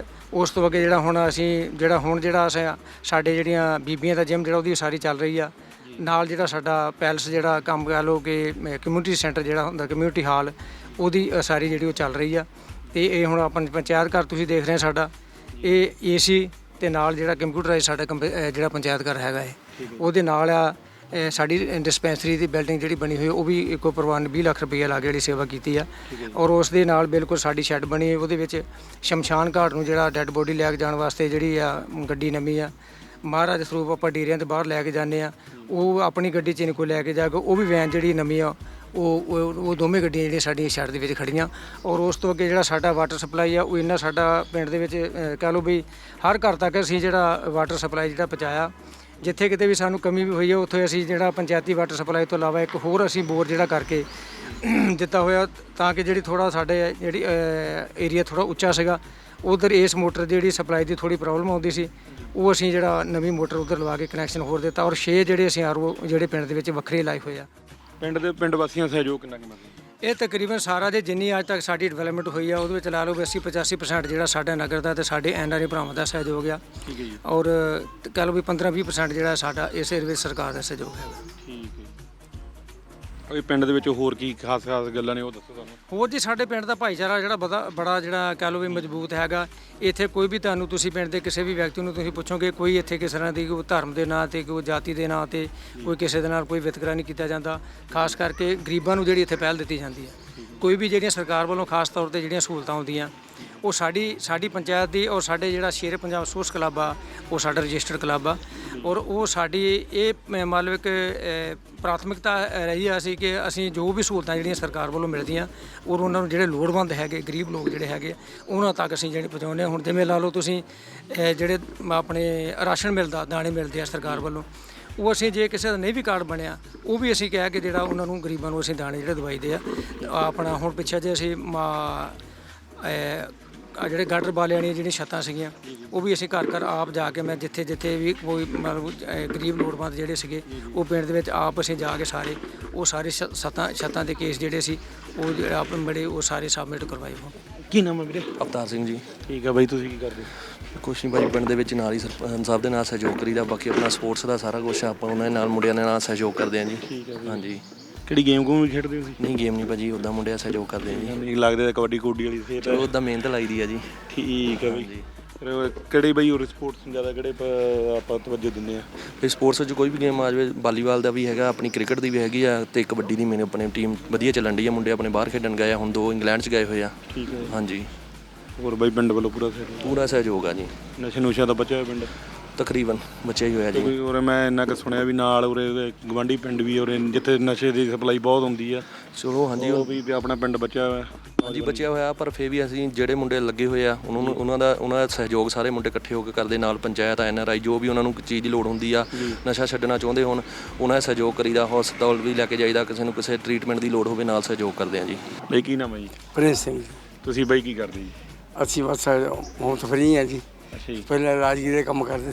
Speaker 4: ਉਸ ਤੋਂ ਅੱਗੇ ਜਿਹੜਾ ਹੁਣ ਅਸੀਂ ਜਿਹੜਾ ਹੁਣ ਜਿਹੜਾ ਅਸੀਂ ਸਾਡੇ ਜਿਹੜੀਆਂ ਬੀਬੀਆਂ ਦਾ ਜਿਮ ਜਿਹੜਾ ਉਹਦੀ ਸਾਰੀ ਚੱਲ ਰਹੀ ਆ। ਨਾਲ ਜਿਹੜਾ ਸਾਡਾ ਪੈਲਸ ਜਿਹੜਾ ਕੰਮ ਕਹਿ ਲਓ ਕਿ ਕਮਿਊਨਿਟੀ ਸੈਂਟਰ ਜਿਹੜਾ ਹੁੰਦਾ ਕਮਿਊਨਿਟੀ ਹਾਲ ਉਹਦੀ ਸਾਰੀ ਜਿਹੜੀ ਉਹ ਚੱਲ ਰਹੀ ਆ। ਤੇ ਇਹ ਹੁਣ ਆਪਾਂ ਪੰਚਾਇਤ ਘਰ ਤੁਸੀਂ ਦੇਖ ਰਹੇ ਸਾਡਾ ਇਹ ਏ ਸੀ ਤੇ ਨਾਲ ਜਿਹੜਾ ਕੰਪਿਊਟਰਾਈਜ਼ ਸਾਡਾ ਕੰਪ- ਅਹ ਜਿਹੜਾ ਪੰਚਾਇਤ ਘਰ ਹੈਗਾ ਹੈ ਉਹਦੇ ਨਾਲ ਆ ਇਹ ਸਾਡੀ ਡਿਸਪੈਂਸਰੀ ਦੀ ਬਿਲਡਿੰਗ ਜਿਹੜੀ ਬਣੀ ਹੋਈ ਉਹ ਵੀ ਇੱਕੋ ਪਰਿਵਾਰ ਨੇ ਵੀਹ ਲੱਖ ਰੁਪਏ ਲਾ ਕੇ ਜਿਹੜੀ ਸੇਵਾ ਕੀਤੀ ਆ। ਔਰ ਉਸ ਦੇ ਨਾਲ ਬਿਲਕੁਲ ਸਾਡੀ ਸ਼ੈੱਡ ਬਣੀ ਉਹਦੇ ਵਿੱਚ ਸ਼ਮਸ਼ਾਨ ਘਾਟ ਨੂੰ ਜਿਹੜਾ ਡੈੱਡ ਬੋਡੀ ਲੈ ਕੇ ਜਾਣ ਵਾਸਤੇ ਜਿਹੜੀ ਆ ਗੱਡੀ ਨਵੀਂ ਆ ਮਹਾਰਾਜ ਸਰੂਪ ਆਪਾਂ ਡੇਰਿਆਂ ਦੇ ਬਾਹਰ ਲੈ ਕੇ ਜਾਂਦੇ ਆ। ਉਹ ਆਪਣੀ ਗੱਡੀ 'ਚ ਨਹੀਂ ਕੋਈ ਲੈ ਕੇ ਜਾਏਗਾ, ਉਹ ਵੀ ਵੈਨ ਜਿਹੜੀ ਨਵੀਂ ਆ ਉਹ ਉਹ ਉਹ ਦੋਵੇਂ ਗੱਡੀਆਂ ਜਿਹੜੀਆਂ ਸਾਡੀਆਂ ਸ਼ੈੱਡ ਦੇ ਵਿੱਚ ਖੜੀਆਂ। ਔਰ ਉਸ ਤੋਂ ਅੱਗੇ ਜਿਹੜਾ ਸਾਡਾ ਵਾਟਰ ਸਪਲਾਈ ਆ ਉਹ ਇੰਨਾ ਸਾਡਾ ਪਿੰਡ ਦੇ ਵਿੱਚ ਅਹ, ਕਹਿ ਲਓ ਵੀ ਹਰ ਘਰ ਤੱਕ ਅਸੀਂ ਜਿਹੜਾ ਵਾਟਰ ਸਪਲਾਈ ਜਿਹੜਾ ਪਹੁੰਚਾਇਆ। ਜਿੱਥੇ ਕਿਤੇ ਵੀ ਸਾਨੂੰ ਕਮੀ ਵੀ ਹੋਈ ਹੈ ਉੱਥੇ ਅਸੀਂ ਜਿਹੜਾ ਪੰਚਾਇਤੀ ਵਾਟਰ ਸਪਲਾਈ ਤੋਂ ਇਲਾਵਾ ਇੱਕ ਹੋਰ ਅਸੀਂ ਬੋਰ ਜਿਹੜਾ ਕਰਕੇ ਦਿੱਤਾ ਹੋਇਆ ਤਾਂ ਕਿ ਜਿਹੜੀ ਥੋੜ੍ਹਾ ਸਾਡੇ ਜਿਹੜੀ ਏਰੀਆ ਥੋੜ੍ਹਾ ਉੱਚਾ ਸੀਗਾ ਉਧਰ ਇਸ ਮੋਟਰ ਦੀ ਜਿਹੜੀ ਸਪਲਾਈ ਦੀ ਥੋੜ੍ਹੀ ਪ੍ਰੋਬਲਮ ਆਉਂਦੀ ਸੀ ਉਹ ਅਸੀਂ ਜਿਹੜਾ ਨਵੀਂ ਮੋਟਰ ਉਧਰ ਲਵਾ ਕੇ ਕਨੈਕਸ਼ਨ ਹੋਰ ਦਿੱਤਾ। ਔਰ ਛੇ ਜਿਹੜੇ ਅਸੀਂ ਆਰ ਓ ਜਿਹੜੇ ਪਿੰਡ ਦੇ ਵਿੱਚ ਵੱਖਰੇ ਲਾਏ ਹੋਏ ਆ।
Speaker 1: ਪਿੰਡ ਦੇ ਪਿੰਡ ਵਾਸੀਆਂ ਦਾ ਸਹਿਯੋਗ ਕਿੰਨਾ ਕਿੰਨਾ ਸੀ?
Speaker 4: ਇਹ ਤਕਰੀਬਨ ਸਾਰਾ ਜੇ ਜਿੰਨੀ ਅੱਜ ਤੱਕ ਸਾਡੀ ਡਿਵੈਲਪਮੈਂਟ ਹੋਈ ਆ ਉਹਦੇ ਵਿੱਚ ਲਾ ਲਓ ਵੀ ਅੱਸੀ ਪਚਾਸੀ ਪਰਸੈਂਟ ਜਿਹੜਾ ਸਾਡਾ ਨਗਰ ਦਾ ਤੇ ਸਾਡੇ ਐਨ ਆਰ ਆਈ ਭਰਾਵਾਂ ਦਾ ਸਹਿਯੋਗ ਆ।
Speaker 1: ਠੀਕ ਹੈ ਜੀ।
Speaker 4: ਔਰ ਕਹਿ ਲਓ ਵੀ ਪੰਦਰਾਂ ਵੀਹ ਪਰਸੈਂਟ ਜਿਹੜਾ ਸਾਡਾ ਇਸ ਏਰੀਏ ਵਿੱਚ ਸਰਕਾਰ ਦਾ ਸਹਿਯੋਗ ਹੈਗਾ।
Speaker 1: ਠੀਕ ਹੈ। ਉਹ ਪਿੰਡ ਦੇ ਵਿੱਚ ਹੋਰ ਕੀ ਖਾਸ ਖਾਸ ਗੱਲਾਂ ਨੇ ਉਹ ਦੱਸੋ ਸਾਨੂੰ।
Speaker 4: ਹੋਰ ਜੀ ਸਾਡੇ ਪਿੰਡ ਦਾ ਭਾਈਚਾਰਾ ਜਿਹੜਾ ਬੜਾ ਬੜਾ ਜਿਹੜਾ ਕਹਿ ਲਓ ਵੀ ਮਜ਼ਬੂਤ ਹੈਗਾ। ਇੱਥੇ ਕੋਈ ਵੀ ਤੁਹਾਨੂੰ ਤੁਸੀਂ ਪਿੰਡ ਦੇ ਕਿਸੇ ਵੀ ਵਿਅਕਤੀ ਨੂੰ ਤੁਸੀਂ ਪੁੱਛੋਗੇ ਕੋਈ ਇੱਥੇ ਕਿਸੇ ਤਰ੍ਹਾਂ ਦੀ ਕੋਈ ਧਰਮ ਦੇ ਨਾਂ ਤੇ ਕੋਈ ਜਾਤੀ ਦੇ ਨਾਂ ਤੇ ਕੋਈ ਕਿਸੇ ਦੇ ਨਾਲ ਕੋਈ ਵਿਤਕਰਾ ਨਹੀਂ ਕੀਤਾ ਜਾਂਦਾ। ਖਾਸ ਕਰਕੇ ਗਰੀਬਾਂ ਨੂੰ ਜਿਹੜੀ ਇੱਥੇ ਪਹਿਲ ਦਿੱਤੀ ਜਾਂਦੀ ਹੈ। ਕੋਈ ਵੀ ਜਿਹੜੀਆਂ ਸਰਕਾਰ ਵੱਲੋਂ ਖਾਸ ਤੌਰ ਤੇ ਜਿਹੜੀਆਂ ਸਹੂਲਤਾਂ ਆਉਂਦੀਆਂ ਉਹ ਸਾਡੀ ਸਾਡੀ ਪੰਚਾਇਤ ਦੀ ਔਰ ਸਾਡੇ ਜਿਹੜਾ ਸ਼ੇਰ ਪੰਜਾਬ ਸਪੋਰਟਸ ਕਲੱਬ ਆ ਉਹ ਸਾਡਾ ਰਜਿਸਟਰਡ ਕਲੱਬ ਆ। ਔਰ ਉਹ ਸਾਡੀ ਇਹ ਮਤਲਬ ਇੱਕ ਪ੍ਰਾਥਮਿਕਤਾ ਰਹੀ ਆ ਸੀ ਕਿ ਅਸੀਂ ਜੋ ਵੀ ਸਹੂਲਤਾਂ ਜਿਹੜੀਆਂ ਸਰਕਾਰ ਵੱਲੋਂ ਮਿਲਦੀਆਂ ਔਰ ਉਹਨਾਂ ਨੂੰ ਜਿਹੜੇ ਲੋੜਵੰਦ ਹੈਗੇ ਗਰੀਬ ਲੋਕ ਜਿਹੜੇ ਹੈਗੇ ਉਹਨਾਂ ਤੱਕ ਅਸੀਂ ਜਿਹੜੇ ਪਹੁੰਚਾਉਂਦੇ ਹਾਂ। ਹੁਣ ਜਿਵੇਂ ਲਾ ਲਓ ਤੁਸੀਂ ਜਿਹੜੇ ਆਪਣੇ ਰਾਸ਼ਨ ਮਿਲਦਾ ਦਾਣੇ ਮਿਲਦੇ ਆ ਸਰਕਾਰ ਵੱਲੋਂ ਉਹ ਅਸੀਂ ਜੇ ਕਿਸੇ ਦਾ ਨਹੀਂ ਵੀ ਕਾਰਡ ਬਣਿਆ ਉਹ ਵੀ ਅਸੀਂ ਕਹਿ ਕੇ ਜਿਹੜਾ ਉਹਨਾਂ ਨੂੰ ਗਰੀਬਾਂ ਨੂੰ ਅਸੀਂ ਦਾਣੇ ਜਿਹੜੇ ਦਵਾਈਦੇ ਆ। ਆਪਣਾ ਹੁਣ ਪਿੱਛੇ ਜੇ ਅਸੀਂ ਆ ਜਿਹੜੇ ਗਾਡਰ ਵਾਲਿਆਂ ਦੀਆਂ ਜਿਹੜੀਆਂ ਛੱਤਾਂ ਸੀਗੀਆਂ ਉਹ ਵੀ ਅਸੀਂ ਘਰ ਘਰ ਆਪ ਜਾ ਕੇ ਮੈਂ ਜਿੱਥੇ ਜਿੱਥੇ ਵੀ ਕੋਈ ਮਤਲਬ ਗਰੀਬ ਲੋੜਵੰਦ ਜਿਹੜੇ ਸੀਗੇ ਉਹ ਪਿੰਡ ਦੇ ਵਿੱਚ ਆਪ ਅਸੀਂ ਜਾ ਕੇ ਸਾਰੇ ਉਹ ਸਾਰੇ ਛੱਤਾਂ ਛੱਤਾਂ ਦੇ ਕੇਸ ਜਿਹੜੇ ਸੀ ਉਹ ਆਪਣੇ ਬੜੇ ਉਹ ਸਾਰੇ ਸਬਮਿਟ ਕਰਵਾਏ ਹੋ।
Speaker 1: ਕੀ ਨਾਮ ਹੈ ਵੀਰੇ?
Speaker 8: ਅਵਤਾਰ ਸਿੰਘ ਜੀ।
Speaker 1: ਠੀਕ ਹੈ ਬਾਈ, ਤੁਸੀਂ ਕੀ ਕਰਦੇ?
Speaker 8: ਕੁਛ ਨਹੀਂ ਭਾਈ, ਪਿੰਡ ਦੇ ਵਿੱਚ ਨਾਲ ਹੀ ਸਰਪੰਚ ਸਾਹਿਬ ਦੇ ਨਾਲ ਸਹਿਯੋਗ ਕਰੀਦਾ। ਬਾਕੀ ਆਪਣਾ ਸਪੋਰਟਸ ਦਾ ਸਾਰਾ ਕੁਛ ਆਪਾਂ ਉਹਨਾਂ ਦੇ ਨਾਲ ਮੁੰਡਿਆਂ ਦੇ ਨਾਲ ਸਹਿਯੋਗ ਕਰਦੇ ਹਾਂ ਜੀ।
Speaker 1: ਠੀਕ ਹੈ ਜੀ।
Speaker 8: ਹਾਂਜੀ।
Speaker 1: ਕਿਹੜੀ ਗੇਮ ਗੂਮ ਵੀ ਖੇਡਦੇ ਹੋ ਤੁਸੀਂ?
Speaker 8: ਨਹੀਂ ਗੇਮ ਨਹੀਂ ਭਾਜੀ, ਉੱਦਾਂ ਮੁੰਡਿਆਂ ਸਹਿਯੋਗ ਕਰਦੇ ਹਾਂ ਜੀ।
Speaker 1: ਨਹੀਂ ਲੱਗਦਾ ਕਬੱਡੀ ਕੋਡੀ ਵਾਲੀ ਸਿਹਤ
Speaker 8: ਚਲੋ ਉੱਦਾਂ ਮਿਹਨਤ ਲਾਈਦੀ ਆ ਜੀ।
Speaker 1: ਠੀਕ ਹੈ ਬਾਈ। ਫਿਰ ਕਿਹੜੇ ਬਾਈ ਹੋਰ ਸਪੋਰਟਸ ਜ਼ਿਆਦਾ ਕਿਹੜੇ ਪ- ਆਪਾਂ ਤਵੱਜੋ ਦਿੰਦੇ ਆ?
Speaker 8: ਫਿਰ ਸਪੋਰਟਸ ਵਿੱਚ ਕੋਈ ਵੀ ਗੇਮ ਆ ਜਾਵੇ, ਵਾਲੀਬਾਲ ਦਾ ਵੀ ਹੈਗਾ, ਆਪਣੀ ਕ੍ਰਿਕਟ ਦੀ ਵੀ ਹੈਗੀ ਆ ਤੇ ਕਬੱਡੀ ਦੀ ਮੇਨ ਆਪਣੀ ਟੀਮ ਵਧੀਆ ਚੱਲਣ ਡਈ ਆ। ਮੁੰਡੇ ਆਪਣੇ ਬਾਹਰ ਖੇਡਣ ਗਏ ਆ, ਹੁਣ ਦੋ ਇੰਗਲੈਂਡ 'ਚ ਗਏ ਹੋਏ ਆ।
Speaker 1: ਠੀਕ ਹੈ।
Speaker 8: ਹਾਂਜੀ।
Speaker 1: ਹੋਰ ਬਾਈ ਪਿੰਡ ਵੱਲੋਂ ਪੂਰਾ ਸਹਿਯੋਗ?
Speaker 8: ਪੂਰਾ ਸਹਿਯੋਗ ਆ ਜੀ।
Speaker 1: ਨਸ਼ੇ ਨੁਸ਼ਿਆਂ ਦਾ ਬਚਿਆ ਹੋਇਆ ਪਿੰਡ
Speaker 8: ਤਕਰੀਬਨ ਬਚਿਆ ਹੀ ਹੋਇਆ ਜੀ।
Speaker 1: ਕੋਈ ਉਰੇ ਮੈਂ ਇੰਨਾ ਕੁ ਸੁਣਿਆ ਵੀ ਨਾਲ ਉਰੇ ਗਵਾਂਢੀ ਪਿੰਡ ਵੀ ਉਰੇ ਜਿੱਥੇ ਨਸ਼ੇ ਦੀ ਸਪਲਾਈ ਬਹੁਤ ਹੁੰਦੀ ਆ।
Speaker 8: ਚਲੋ ਹਾਂਜੀ
Speaker 1: ਉਹ ਵੀ ਆਪਣਾ ਪਿੰਡ ਬਚਿਆ ਹੋਇਆ।
Speaker 8: ਹਾਂਜੀ ਬਚਿਆ ਹੋਇਆ, ਪਰ ਫਿਰ ਵੀ ਅਸੀਂ ਜਿਹੜੇ ਮੁੰਡੇ ਲੱਗੇ ਹੋਏ ਆ ਉਹਨਾਂ ਨੂੰ ਉਹਨਾਂ ਦਾ ਉਹਨਾਂ ਦਾ ਸਹਿਯੋਗ ਸਾਰੇ ਮੁੰਡੇ ਇਕੱਠੇ ਹੋ ਕੇ ਕਰਦੇ। ਨਾਲ ਪੰਚਾਇਤ ਐਨ ਆਰ ਆਈ ਜੋ ਵੀ ਉਹਨਾਂ ਨੂੰ ਚੀਜ਼ ਦੀ ਲੋੜ ਹੁੰਦੀ ਆ, ਨਸ਼ਾ ਛੱਡਣਾ ਚਾਹੁੰਦੇ ਹੋਣ ਉਹਨਾਂ ਦਾ ਸਹਿਯੋਗ ਕਰੀਦਾ। ਹਸਪਤਾਲ ਵੀ ਲੈ ਕੇ ਜਾਈਦਾ, ਕਿਸੇ ਨੂੰ ਕਿਸੇ ਟਰੀਟਮੈਂਟ ਦੀ ਲੋੜ ਹੋਵੇ ਨਾਲ ਸਹਿਯੋਗ ਕਰਦੇ ਆ ਜੀ।
Speaker 1: ਬਾਈ ਕੀ ਨਾਮ ਹੈ ਜੀ?
Speaker 5: ਪ੍ਰਿੰਸ ਸਿੰਘ ਜੀ।
Speaker 1: ਤੁਸੀਂ ਬਾਈ ਕੀ ਕਰਦੇ ਜੀ?
Speaker 5: ਅਸੀਂ ਬਸ ਹੁਣ ਤਾਂ ਫਰੀ ਹਾਂ ਜੀ।
Speaker 1: ਅੱਛਾ ਜੀ।
Speaker 5: ਪਹਿਲਾਂ ਰਾਜਗੀਰ ਦੇ ਕੰਮ ਕਰਦੇ ਸੀ।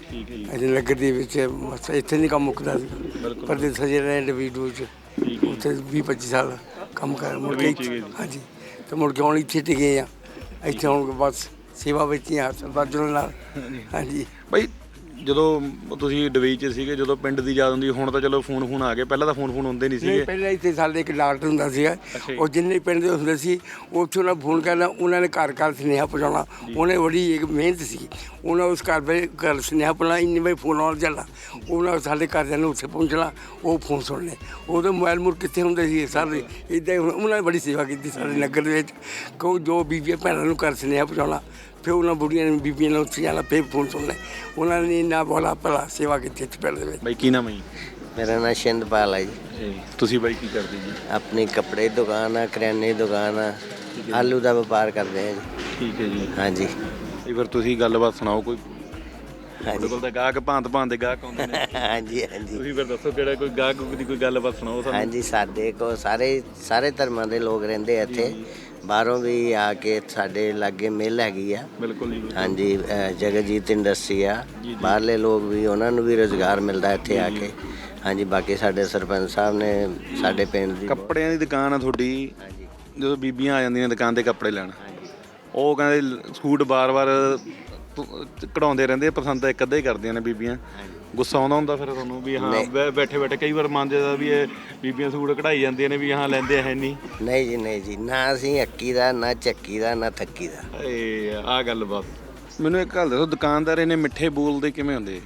Speaker 1: ਠੀਕ ਹੈ ਜੀ
Speaker 5: ਅਸੀਂ ਨਗਰ ਦੇ ਵਿੱਚ ਬਸ ਇੱਥੇ ਨਹੀਂ ਕੰਮ ਮੁੱਕਦਾ ਸੀ ਪਰ ਦੇ ਸਜੇ ਰਹੇ ਡਿਵੀਜ਼ਨ ਚ ਉੱਥੇ ਵੀਹ ਪੱਚੀ ਸਾਲ ਕੰਮ ਕਰ ਮੁੜ ਕੇ ਇੱਥੇ- ਹਾਂਜੀ ਤੇ ਮੁੜ ਕੇ ਹੁਣ ਇੱਥੇ ਟਿਕੇ ਆ ਇੱਥੇ ਹੁਣ ਬਸ ਸੇਵਾ ਵਿੱਚ ਹੀ ਆ ਸਰਦਾਰ ਜੁਲਨ ਨਾਲ ਹਾਂਜੀ
Speaker 1: ਬਾਈ ਜਦੋਂ ਤੁਸੀਂ ਡਬਈ 'ਚ ਸੀਗੇ ਜਦੋਂ ਪਿੰਡ ਦੀ ਯਾਦ ਹੁੰਦੀ ਹੁਣ ਤਾਂ ਚਲੋ ਫੋਨ ਫੋਨ ਆ ਗਏ ਪਹਿਲਾਂ ਤਾਂ ਫੋਨ ਫੋਨ ਹੁੰਦੇ ਨਹੀਂ
Speaker 5: ਨਹੀਂ
Speaker 1: ਸੀਗੇ
Speaker 5: ਪਹਿਲਾਂ ਇੱਥੇ ਸਾਡੇ ਇੱਕ ਡਾਕਟਰ ਹੁੰਦਾ ਸੀਗਾ
Speaker 1: ਅੱਛਾ ਜੀ।
Speaker 5: ਉਹ ਜਿੰਨੇ ਪਿੰਡ ਦੇ ਹੁੰਦੇ ਸੀ ਉੱਥੇ ਉਹਨਾਂ ਫੋਨ ਕਰਨਾ ਉਹਨਾਂ ਨੇ ਘਰ ਘਰ ਸੁਨੇਹਾ ਪਹੁੰਚਾਉਣਾ ਉਹਨੇ ਬੜੀ ਇੱਕ ਮਿਹਨਤ ਸੀ ਉਹਨਾਂ ਉਸ ਘਰ ਦੇ ਘਰ ਸੁਨੇਹਾ ਪਹੁੰਚਾਉਣਾ ਇੰਨੇ ਵਜੇ ਫੋਨ ਆਉਣ ਚੱਲਣਾ ਉਹਨਾਂ ਸਾਡੇ ਘਰਦਿਆਂ ਨੂੰ ਉੱਥੇ ਪਹੁੰਚਣਾ ਉਹ ਫੋਨ ਸੁਣਨੇ ਉਦੋਂ ਮੋਬਾਈਲ ਮੁਰ ਕਿੱਥੇ ਹੁੰਦੇ ਸੀ ਸਾਰੇ ਇੱਦਾਂ ਉਹਨਾਂ ਨੇ ਬੜੀ ਸੇਵਾ ਕੀਤੀ ਸਾਡੇ ਨਗਰ ਦੇ ਵਿੱਚ ਕੋ ਜੋ ਬੀਬੀਆਂ ਭੈਣਾਂ ਨੂੰ ਘਰ ਸੁਨੇਹਾ ਪਹੁੰਚਾਉਣਾ ਫਿਰ ਉਹਨਾਂ ਬੁੜੀਆਂ ਨੇ ਬੀਬੀਆਂ ਨੂੰ ਉੱਥੇ ਜਾਣਾ ਫਿਰ ਫੋਨ ਸੁਣਨੇ ਉਹਨਾਂ ਨੇ ਇੰਨਾ ਬੋਲਾ ਭਲਾ ਸੇਵਾ ਕੀਤੀ ਇੱਥੇ ਪਿੰਡ ਦੇ ਵਿੱਚ
Speaker 1: ਬਾਈ ਕੀ ਨਾਮ ਹੈ ਜੀ
Speaker 9: ਮੇਰਾ ਨਾਮ ਸ਼ਿੰਦਪਾਲ ਹੈ ਜੀ
Speaker 1: ਤੁਸੀਂ ਬਾਈ ਕੀ ਕਰਦੇ ਜੀ
Speaker 9: ਆਪਣੀ ਕੱਪੜੇ ਦੀ ਦੁਕਾਨ ਆ ਕਰਿਆਨੇ ਦੀ ਦੁਕਾਨ ਆ ਆਲੂ ਦਾ ਵਪਾਰ ਕਰਦੇ ਆ ਜੀ
Speaker 1: ਠੀਕ ਹੈ ਜੀ
Speaker 9: ਹਾਂਜੀ
Speaker 1: ਇਹ ਫਿਰ ਤੁਸੀਂ ਗੱਲਬਾਤ ਸੁਣਾਓ ਕੋਈ ਤੁਹਾਡੇ
Speaker 9: ਹਾਂਜੀ
Speaker 1: ਕੋਲ ਤਾਂ ਗਾਹਕ ਭਾਂਤ ਭਾਂਤ ਦੇ ਗਾਹਕ ਆਉਂਦੇ ਨੇ
Speaker 9: ਹਾਂਜੀ ਹਾਂਜੀ
Speaker 1: ਤੁਸੀਂ ਫਿਰ ਦੱਸੋ ਕਿਹੜਾ ਕੋਈ ਗਾਹਕ ਦੀ ਕੋਈ ਗੱਲਬਾਤ ਸੁਣਾਓ ਸਾਨੂੰ
Speaker 9: ਹਾਂਜੀ ਸਾਡੇ ਕੋ ਸਾਰੇ ਸਾਰੇ ਧਰਮਾਂ ਦੇ ਲੋਕ ਰਹਿੰਦੇ ਆ ਇੱਥੇ ਬਾਹਰੋਂ ਵੀ ਆ ਕੇ ਸਾਡੇ ਲਾਗੇ ਮਿਲ ਹੈਗੀ ਆ
Speaker 1: ਬਿਲਕੁਲ ਜੀ
Speaker 9: ਹਾਂਜੀ ਅ, ਜਗਜੀਤ ਇੰਡਸਟਰੀ ਆ ਬਾਹਰਲੇ ਲੋਕ ਵੀ ਉਹਨਾਂ ਨੂੰ ਵੀ ਰੁਜ਼ਗਾਰ ਮਿਲਦਾ ਇੱਥੇ ਆ ਕੇ ਹਾਂਜੀ ਬਾਕੀ ਸਾਡੇ ਸਰਪੰਚ ਸਾਹਿਬ ਨੇ ਸਾਡੇ ਪਿੰਡ ਦੀ
Speaker 1: ਕੱਪੜਿਆਂ ਦੀ ਦੁਕਾਨ ਆ ਤੁਹਾਡੀ
Speaker 9: ਹਾਂਜੀ
Speaker 1: ਜਦੋਂ ਬੀਬੀਆਂ ਆ ਜਾਂਦੀਆਂ ਦੁਕਾਨ ਤੇ ਕੱਪੜੇ ਲੈਣ
Speaker 9: ਹਾਂਜੀ
Speaker 1: ਉਹ ਕਹਿੰਦੇ ਸੂਟ ਬਾਰ-ਬਾਰ ਕਢਾਉਂਦੇ ਰਹਿੰਦੇ ਪਸੰਦ ਤਾਂ ਇੱਕ ਅੱਧਾ ਹੀ ਕਰਦੀਆਂ ਨੇ ਬੀਬੀਆਂ ਗੁੱਸਾ ਆਉਂਦਾ ਹੁੰਦਾ ਫਿਰ ਤੁਹਾਨੂੰ ਵੀ ਹਾਂ ਬੈਠੇ ਬੈਠੇ ਕਈ ਵਾਰ ਮਨ ਜਾਂਦਾ ਵੀ ਇਹ ਬੀਬੀਆਂ ਸੂਟ ਕਢਾਈ ਜਾਂਦੀਆਂ ਨੇ ਵੀ ਹਾਂ ਲੈਂਦੇ ਹੈ ਨਹੀਂ
Speaker 9: ਨਹੀਂ ਜੀ ਨਹੀਂ ਜੀ ਨਾ ਅਸੀਂ ਅੱਕੀ ਦਾ ਨਾ ਚੱਕੀ ਦਾ ਨਾ ਥੱਕੀ ਦਾ
Speaker 1: ਏ ਆ ਗੱਲ ਬਸ ਮੈਨੂੰ ਇੱਕ ਗੱਲ ਦੱਸੋ ਦੁਕਾਨਦਾਰ ਇਹਨੇ ਮਿੱਠੇ ਬੋਲਦੇ ਕਿਵੇਂ ਹੁੰਦੇ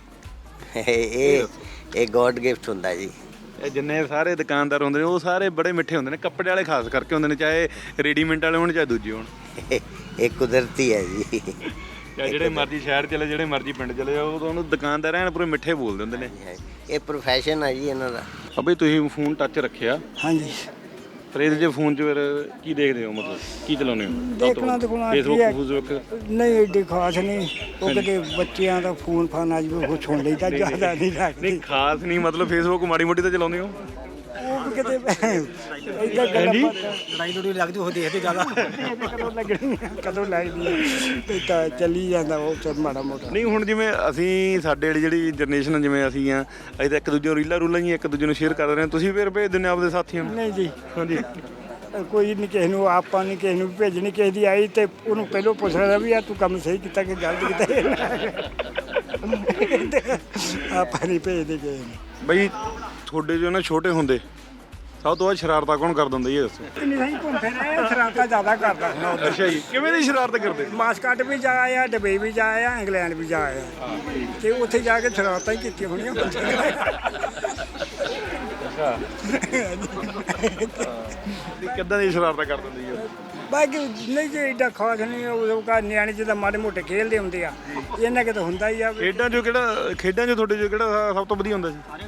Speaker 9: ਇਹ ਇਹ ਗੋਡ ਗਿਫਟ ਹੁੰਦਾ ਜੀ
Speaker 1: ਇਹ ਜਿੰਨੇ ਸਾਰੇ ਦੁਕਾਨਦਾਰ ਹੁੰਦੇ ਨੇ ਉਹ ਸਾਰੇ ਬੜੇ ਮਿੱਠੇ ਹੁੰਦੇ ਨੇ ਕੱਪੜੇ ਵਾਲੇ ਖਾਸ ਕਰਕੇ ਹੁੰਦੇ ਨੇ ਚਾਹੇ ਰੈਡੀਮੇਡ ਵਾਲੇ ਹੋਣ ਚਾਹੇ ਦੂਜੇ ਹੋਣ
Speaker 9: ਇਹ ਕੁਦਰਤੀ ਹੈ ਜੀ
Speaker 1: ਚਾਹੇ ਜਿਹੜੇ ਮਰਜ਼ੀ ਸ਼ਹਿਰ ਚਲੇ ਜਿਹੜੇ ਮਰਜ਼ੀ ਪਿੰਡ ਚਲੇ ਜਾਓ ਉਹਨੂੰ ਦੁਕਾਨਦਾਰ ਐਨ ਪੂਰੇ ਮਿੱਠੇ ਬੋਲਦੇ ਹੁੰਦੇ ਨੇ
Speaker 9: ਇਹ ਪ੍ਰੋਫੈਸ਼ਨ ਹੈ ਜੀ ਇਹਨਾਂ ਦਾ
Speaker 1: ਆ ਬਈ ਤੁਸੀਂ ਫੋਨ ਟੱਚ ਰੱਖਿਆ
Speaker 7: ਹਾਂਜੀ
Speaker 1: ਫਿਰ ਇਹਦੇ 'ਚ ਫੋਨ 'ਚ ਫਿਰ ਕੀ ਦੇਖਦੇ ਹੋ ਮਤਲਬ ਕੀ ਚਲਾਉਂਦੇ ਹੋ
Speaker 7: ਦੇਖਣਾ ਦਿਖਾਉਣਾ ਕੀ
Speaker 1: ਫੇਸਬੁੱਕ
Speaker 7: ਹੈ?
Speaker 1: ਫੇਸਬੁੱਕ
Speaker 7: ਨਹੀਂ ਏਡੀ ਖਾਸ ਨਹੀਂ ਉਹ ਕਿਤੇ ਬੱਚਿਆਂ ਦਾ ਫੋਨ ਫਾਨ ਅੱਜ ਉਹ ਸੁਣ ਲਈਦਾ ਜ਼ਿਆਦਾ ਨਹੀਂ ਲੱਗਦੀ
Speaker 1: ਨਹੀਂ ਖਾਸ ਨਹੀਂ ਮਤਲਬ ਫੇਸਬੁੱਕ ਮਾੜੀ ਮੋਟੀ ਤਾਂ ਚਲਾਉਂਦੇ ਹੋ
Speaker 7: ਉਹ ਵੀ ਕਿਤੇ ਇਦਾਂ ਗੱਲਾਂ
Speaker 4: ਲੜਾਈ ਲੜੀ ਲੱਗਦੀ ਉਹ ਦੇਖਦੇ ਜ਼ਿਆਦਾ
Speaker 7: ਕਦੋਂ ਲੱਗਣੀ ਆ, ਕਦੋਂ ਲੱਗਦੀ ਆ, ਤੇ ਤਾਂ ਚੱਲੀ ਜਾਂਦਾ ਉਹ ਚ ਮਾੜਾ ਮੋਟਾ
Speaker 1: ਨਹੀਂ ਹੁਣ ਜਿਵੇਂ ਅਸੀਂ ਸਾਡੇ ਵਾਲੀ ਜਿਹੜੀ ਜਨਰੇਸ਼ਨ ਜਿਵੇਂ ਅਸੀਂ ਆ ਅਸੀਂ ਤਾਂ ਇੱਕ ਦੂਜੇ ਨੂੰ ਰੀਲਾਂ ਰੂਲਾਂ ਹੀ ਇੱਕ ਦੂਜੇ ਨੂੰ ਸ਼ੇਅਰ ਕਰ ਰਹੇ ਹਾਂ ਤੁਸੀਂ ਫਿਰ ਭੇਜ ਦਿੰਦੇ ਆਪਦੇ ਸਾਥੀਆਂ ਨੂੰ
Speaker 7: ਨਹੀਂ ਜੀ
Speaker 1: ਹਾਂਜੀ
Speaker 7: ਕੋਈ ਨਹੀਂ ਕਿਸੇ ਨੂੰ ਆਪਾਂ ਨਹੀਂ ਕਿਸੇ ਨੂੰ ਵੀ ਭੇਜਣੀ ਕਿਸੇ ਦੀ ਆਈ ਤੇ ਉਹਨੂੰ ਪਹਿਲਾਂ ਪੁੱਛ ਲੈਣਾ ਵੀ ਆ ਤੂੰ ਕੰਮ ਸਹੀ ਕੀਤਾ ਕਿ ਗਲਤ ਕੀਤਾ ਆਪਾਂ ਨਹੀਂ ਭੇਜਦੇ ਕਿਸੇ ਨੂੰ
Speaker 1: ਬਈ ਤੁਹਾਡੇ ਜੋ ਨਾ ਛੋਟੇ ਹੁੰਦੇ ਸਭ ਤੋਂ ਵੱਧ ਸ਼ਰਾਰਤਾਂ ਕੌਣ ਕਰ ਦਿੰਦਾ ਇਹ ਦੱਸੋ
Speaker 7: ਨਹੀਂ ਨਹੀਂ ਘੁੰਮ ਫਿਰ ਆਇਆ ਸ਼ਰਾਰਤਾਂ ਜ਼ਿਆਦਾ ਕਰਦਾ
Speaker 1: ਅੱਛਾ ਜੀ ਕਿਵੇਂ ਦੀ ਸ਼ਰਾਰਤ ਕਰਦੇ
Speaker 7: ਮਾਸਕਟ ਵੀ ਜਾ ਆਇਆ ਦੁਬਈ ਵੀ ਜਾ ਆਇਆ ਇੰਗਲੈਂਡ ਵੀ ਜਾ ਆਇਆ ਤੇ ਉੱਥੇ ਜਾ ਕੇ ਸ਼ਰਾਰਤਾਂ ਹੀ ਕੀਤੀਆਂ ਹੋਣੀਆਂ
Speaker 1: ਕਿੱਦਾਂ ਦੀ ਸ਼ਰਾਰਤਾਂ ਕਰ ਦਿੰਦੀ ਹੈ
Speaker 7: ਬਾਕੀ ਨਹੀਂ ਜੇ ਏਡਾ ਖਾਸ ਨਹੀਂ ਉਹ ਕਾ ਨਿਆਣੇ ਜਿਹਦਾ ਮਾੜੇ ਮੋਟੇ ਖੇਲਦੇ ਹੁੰਦੇ ਆ ਇਹਨਾਂ ਕਿ ਤਾਂ ਹੁੰਦਾ ਹੀ ਆ
Speaker 1: ਖੇਡਾਂ 'ਚੋਂ ਕਿਹੜਾ ਖੇਡਾਂ 'ਚੋਂ ਤੁਹਾਡੇ 'ਚੋਂ ਕਿਹੜਾ ਸਭ ਤੋਂ ਵਧੀਆ ਹੁੰਦਾ ਸੀ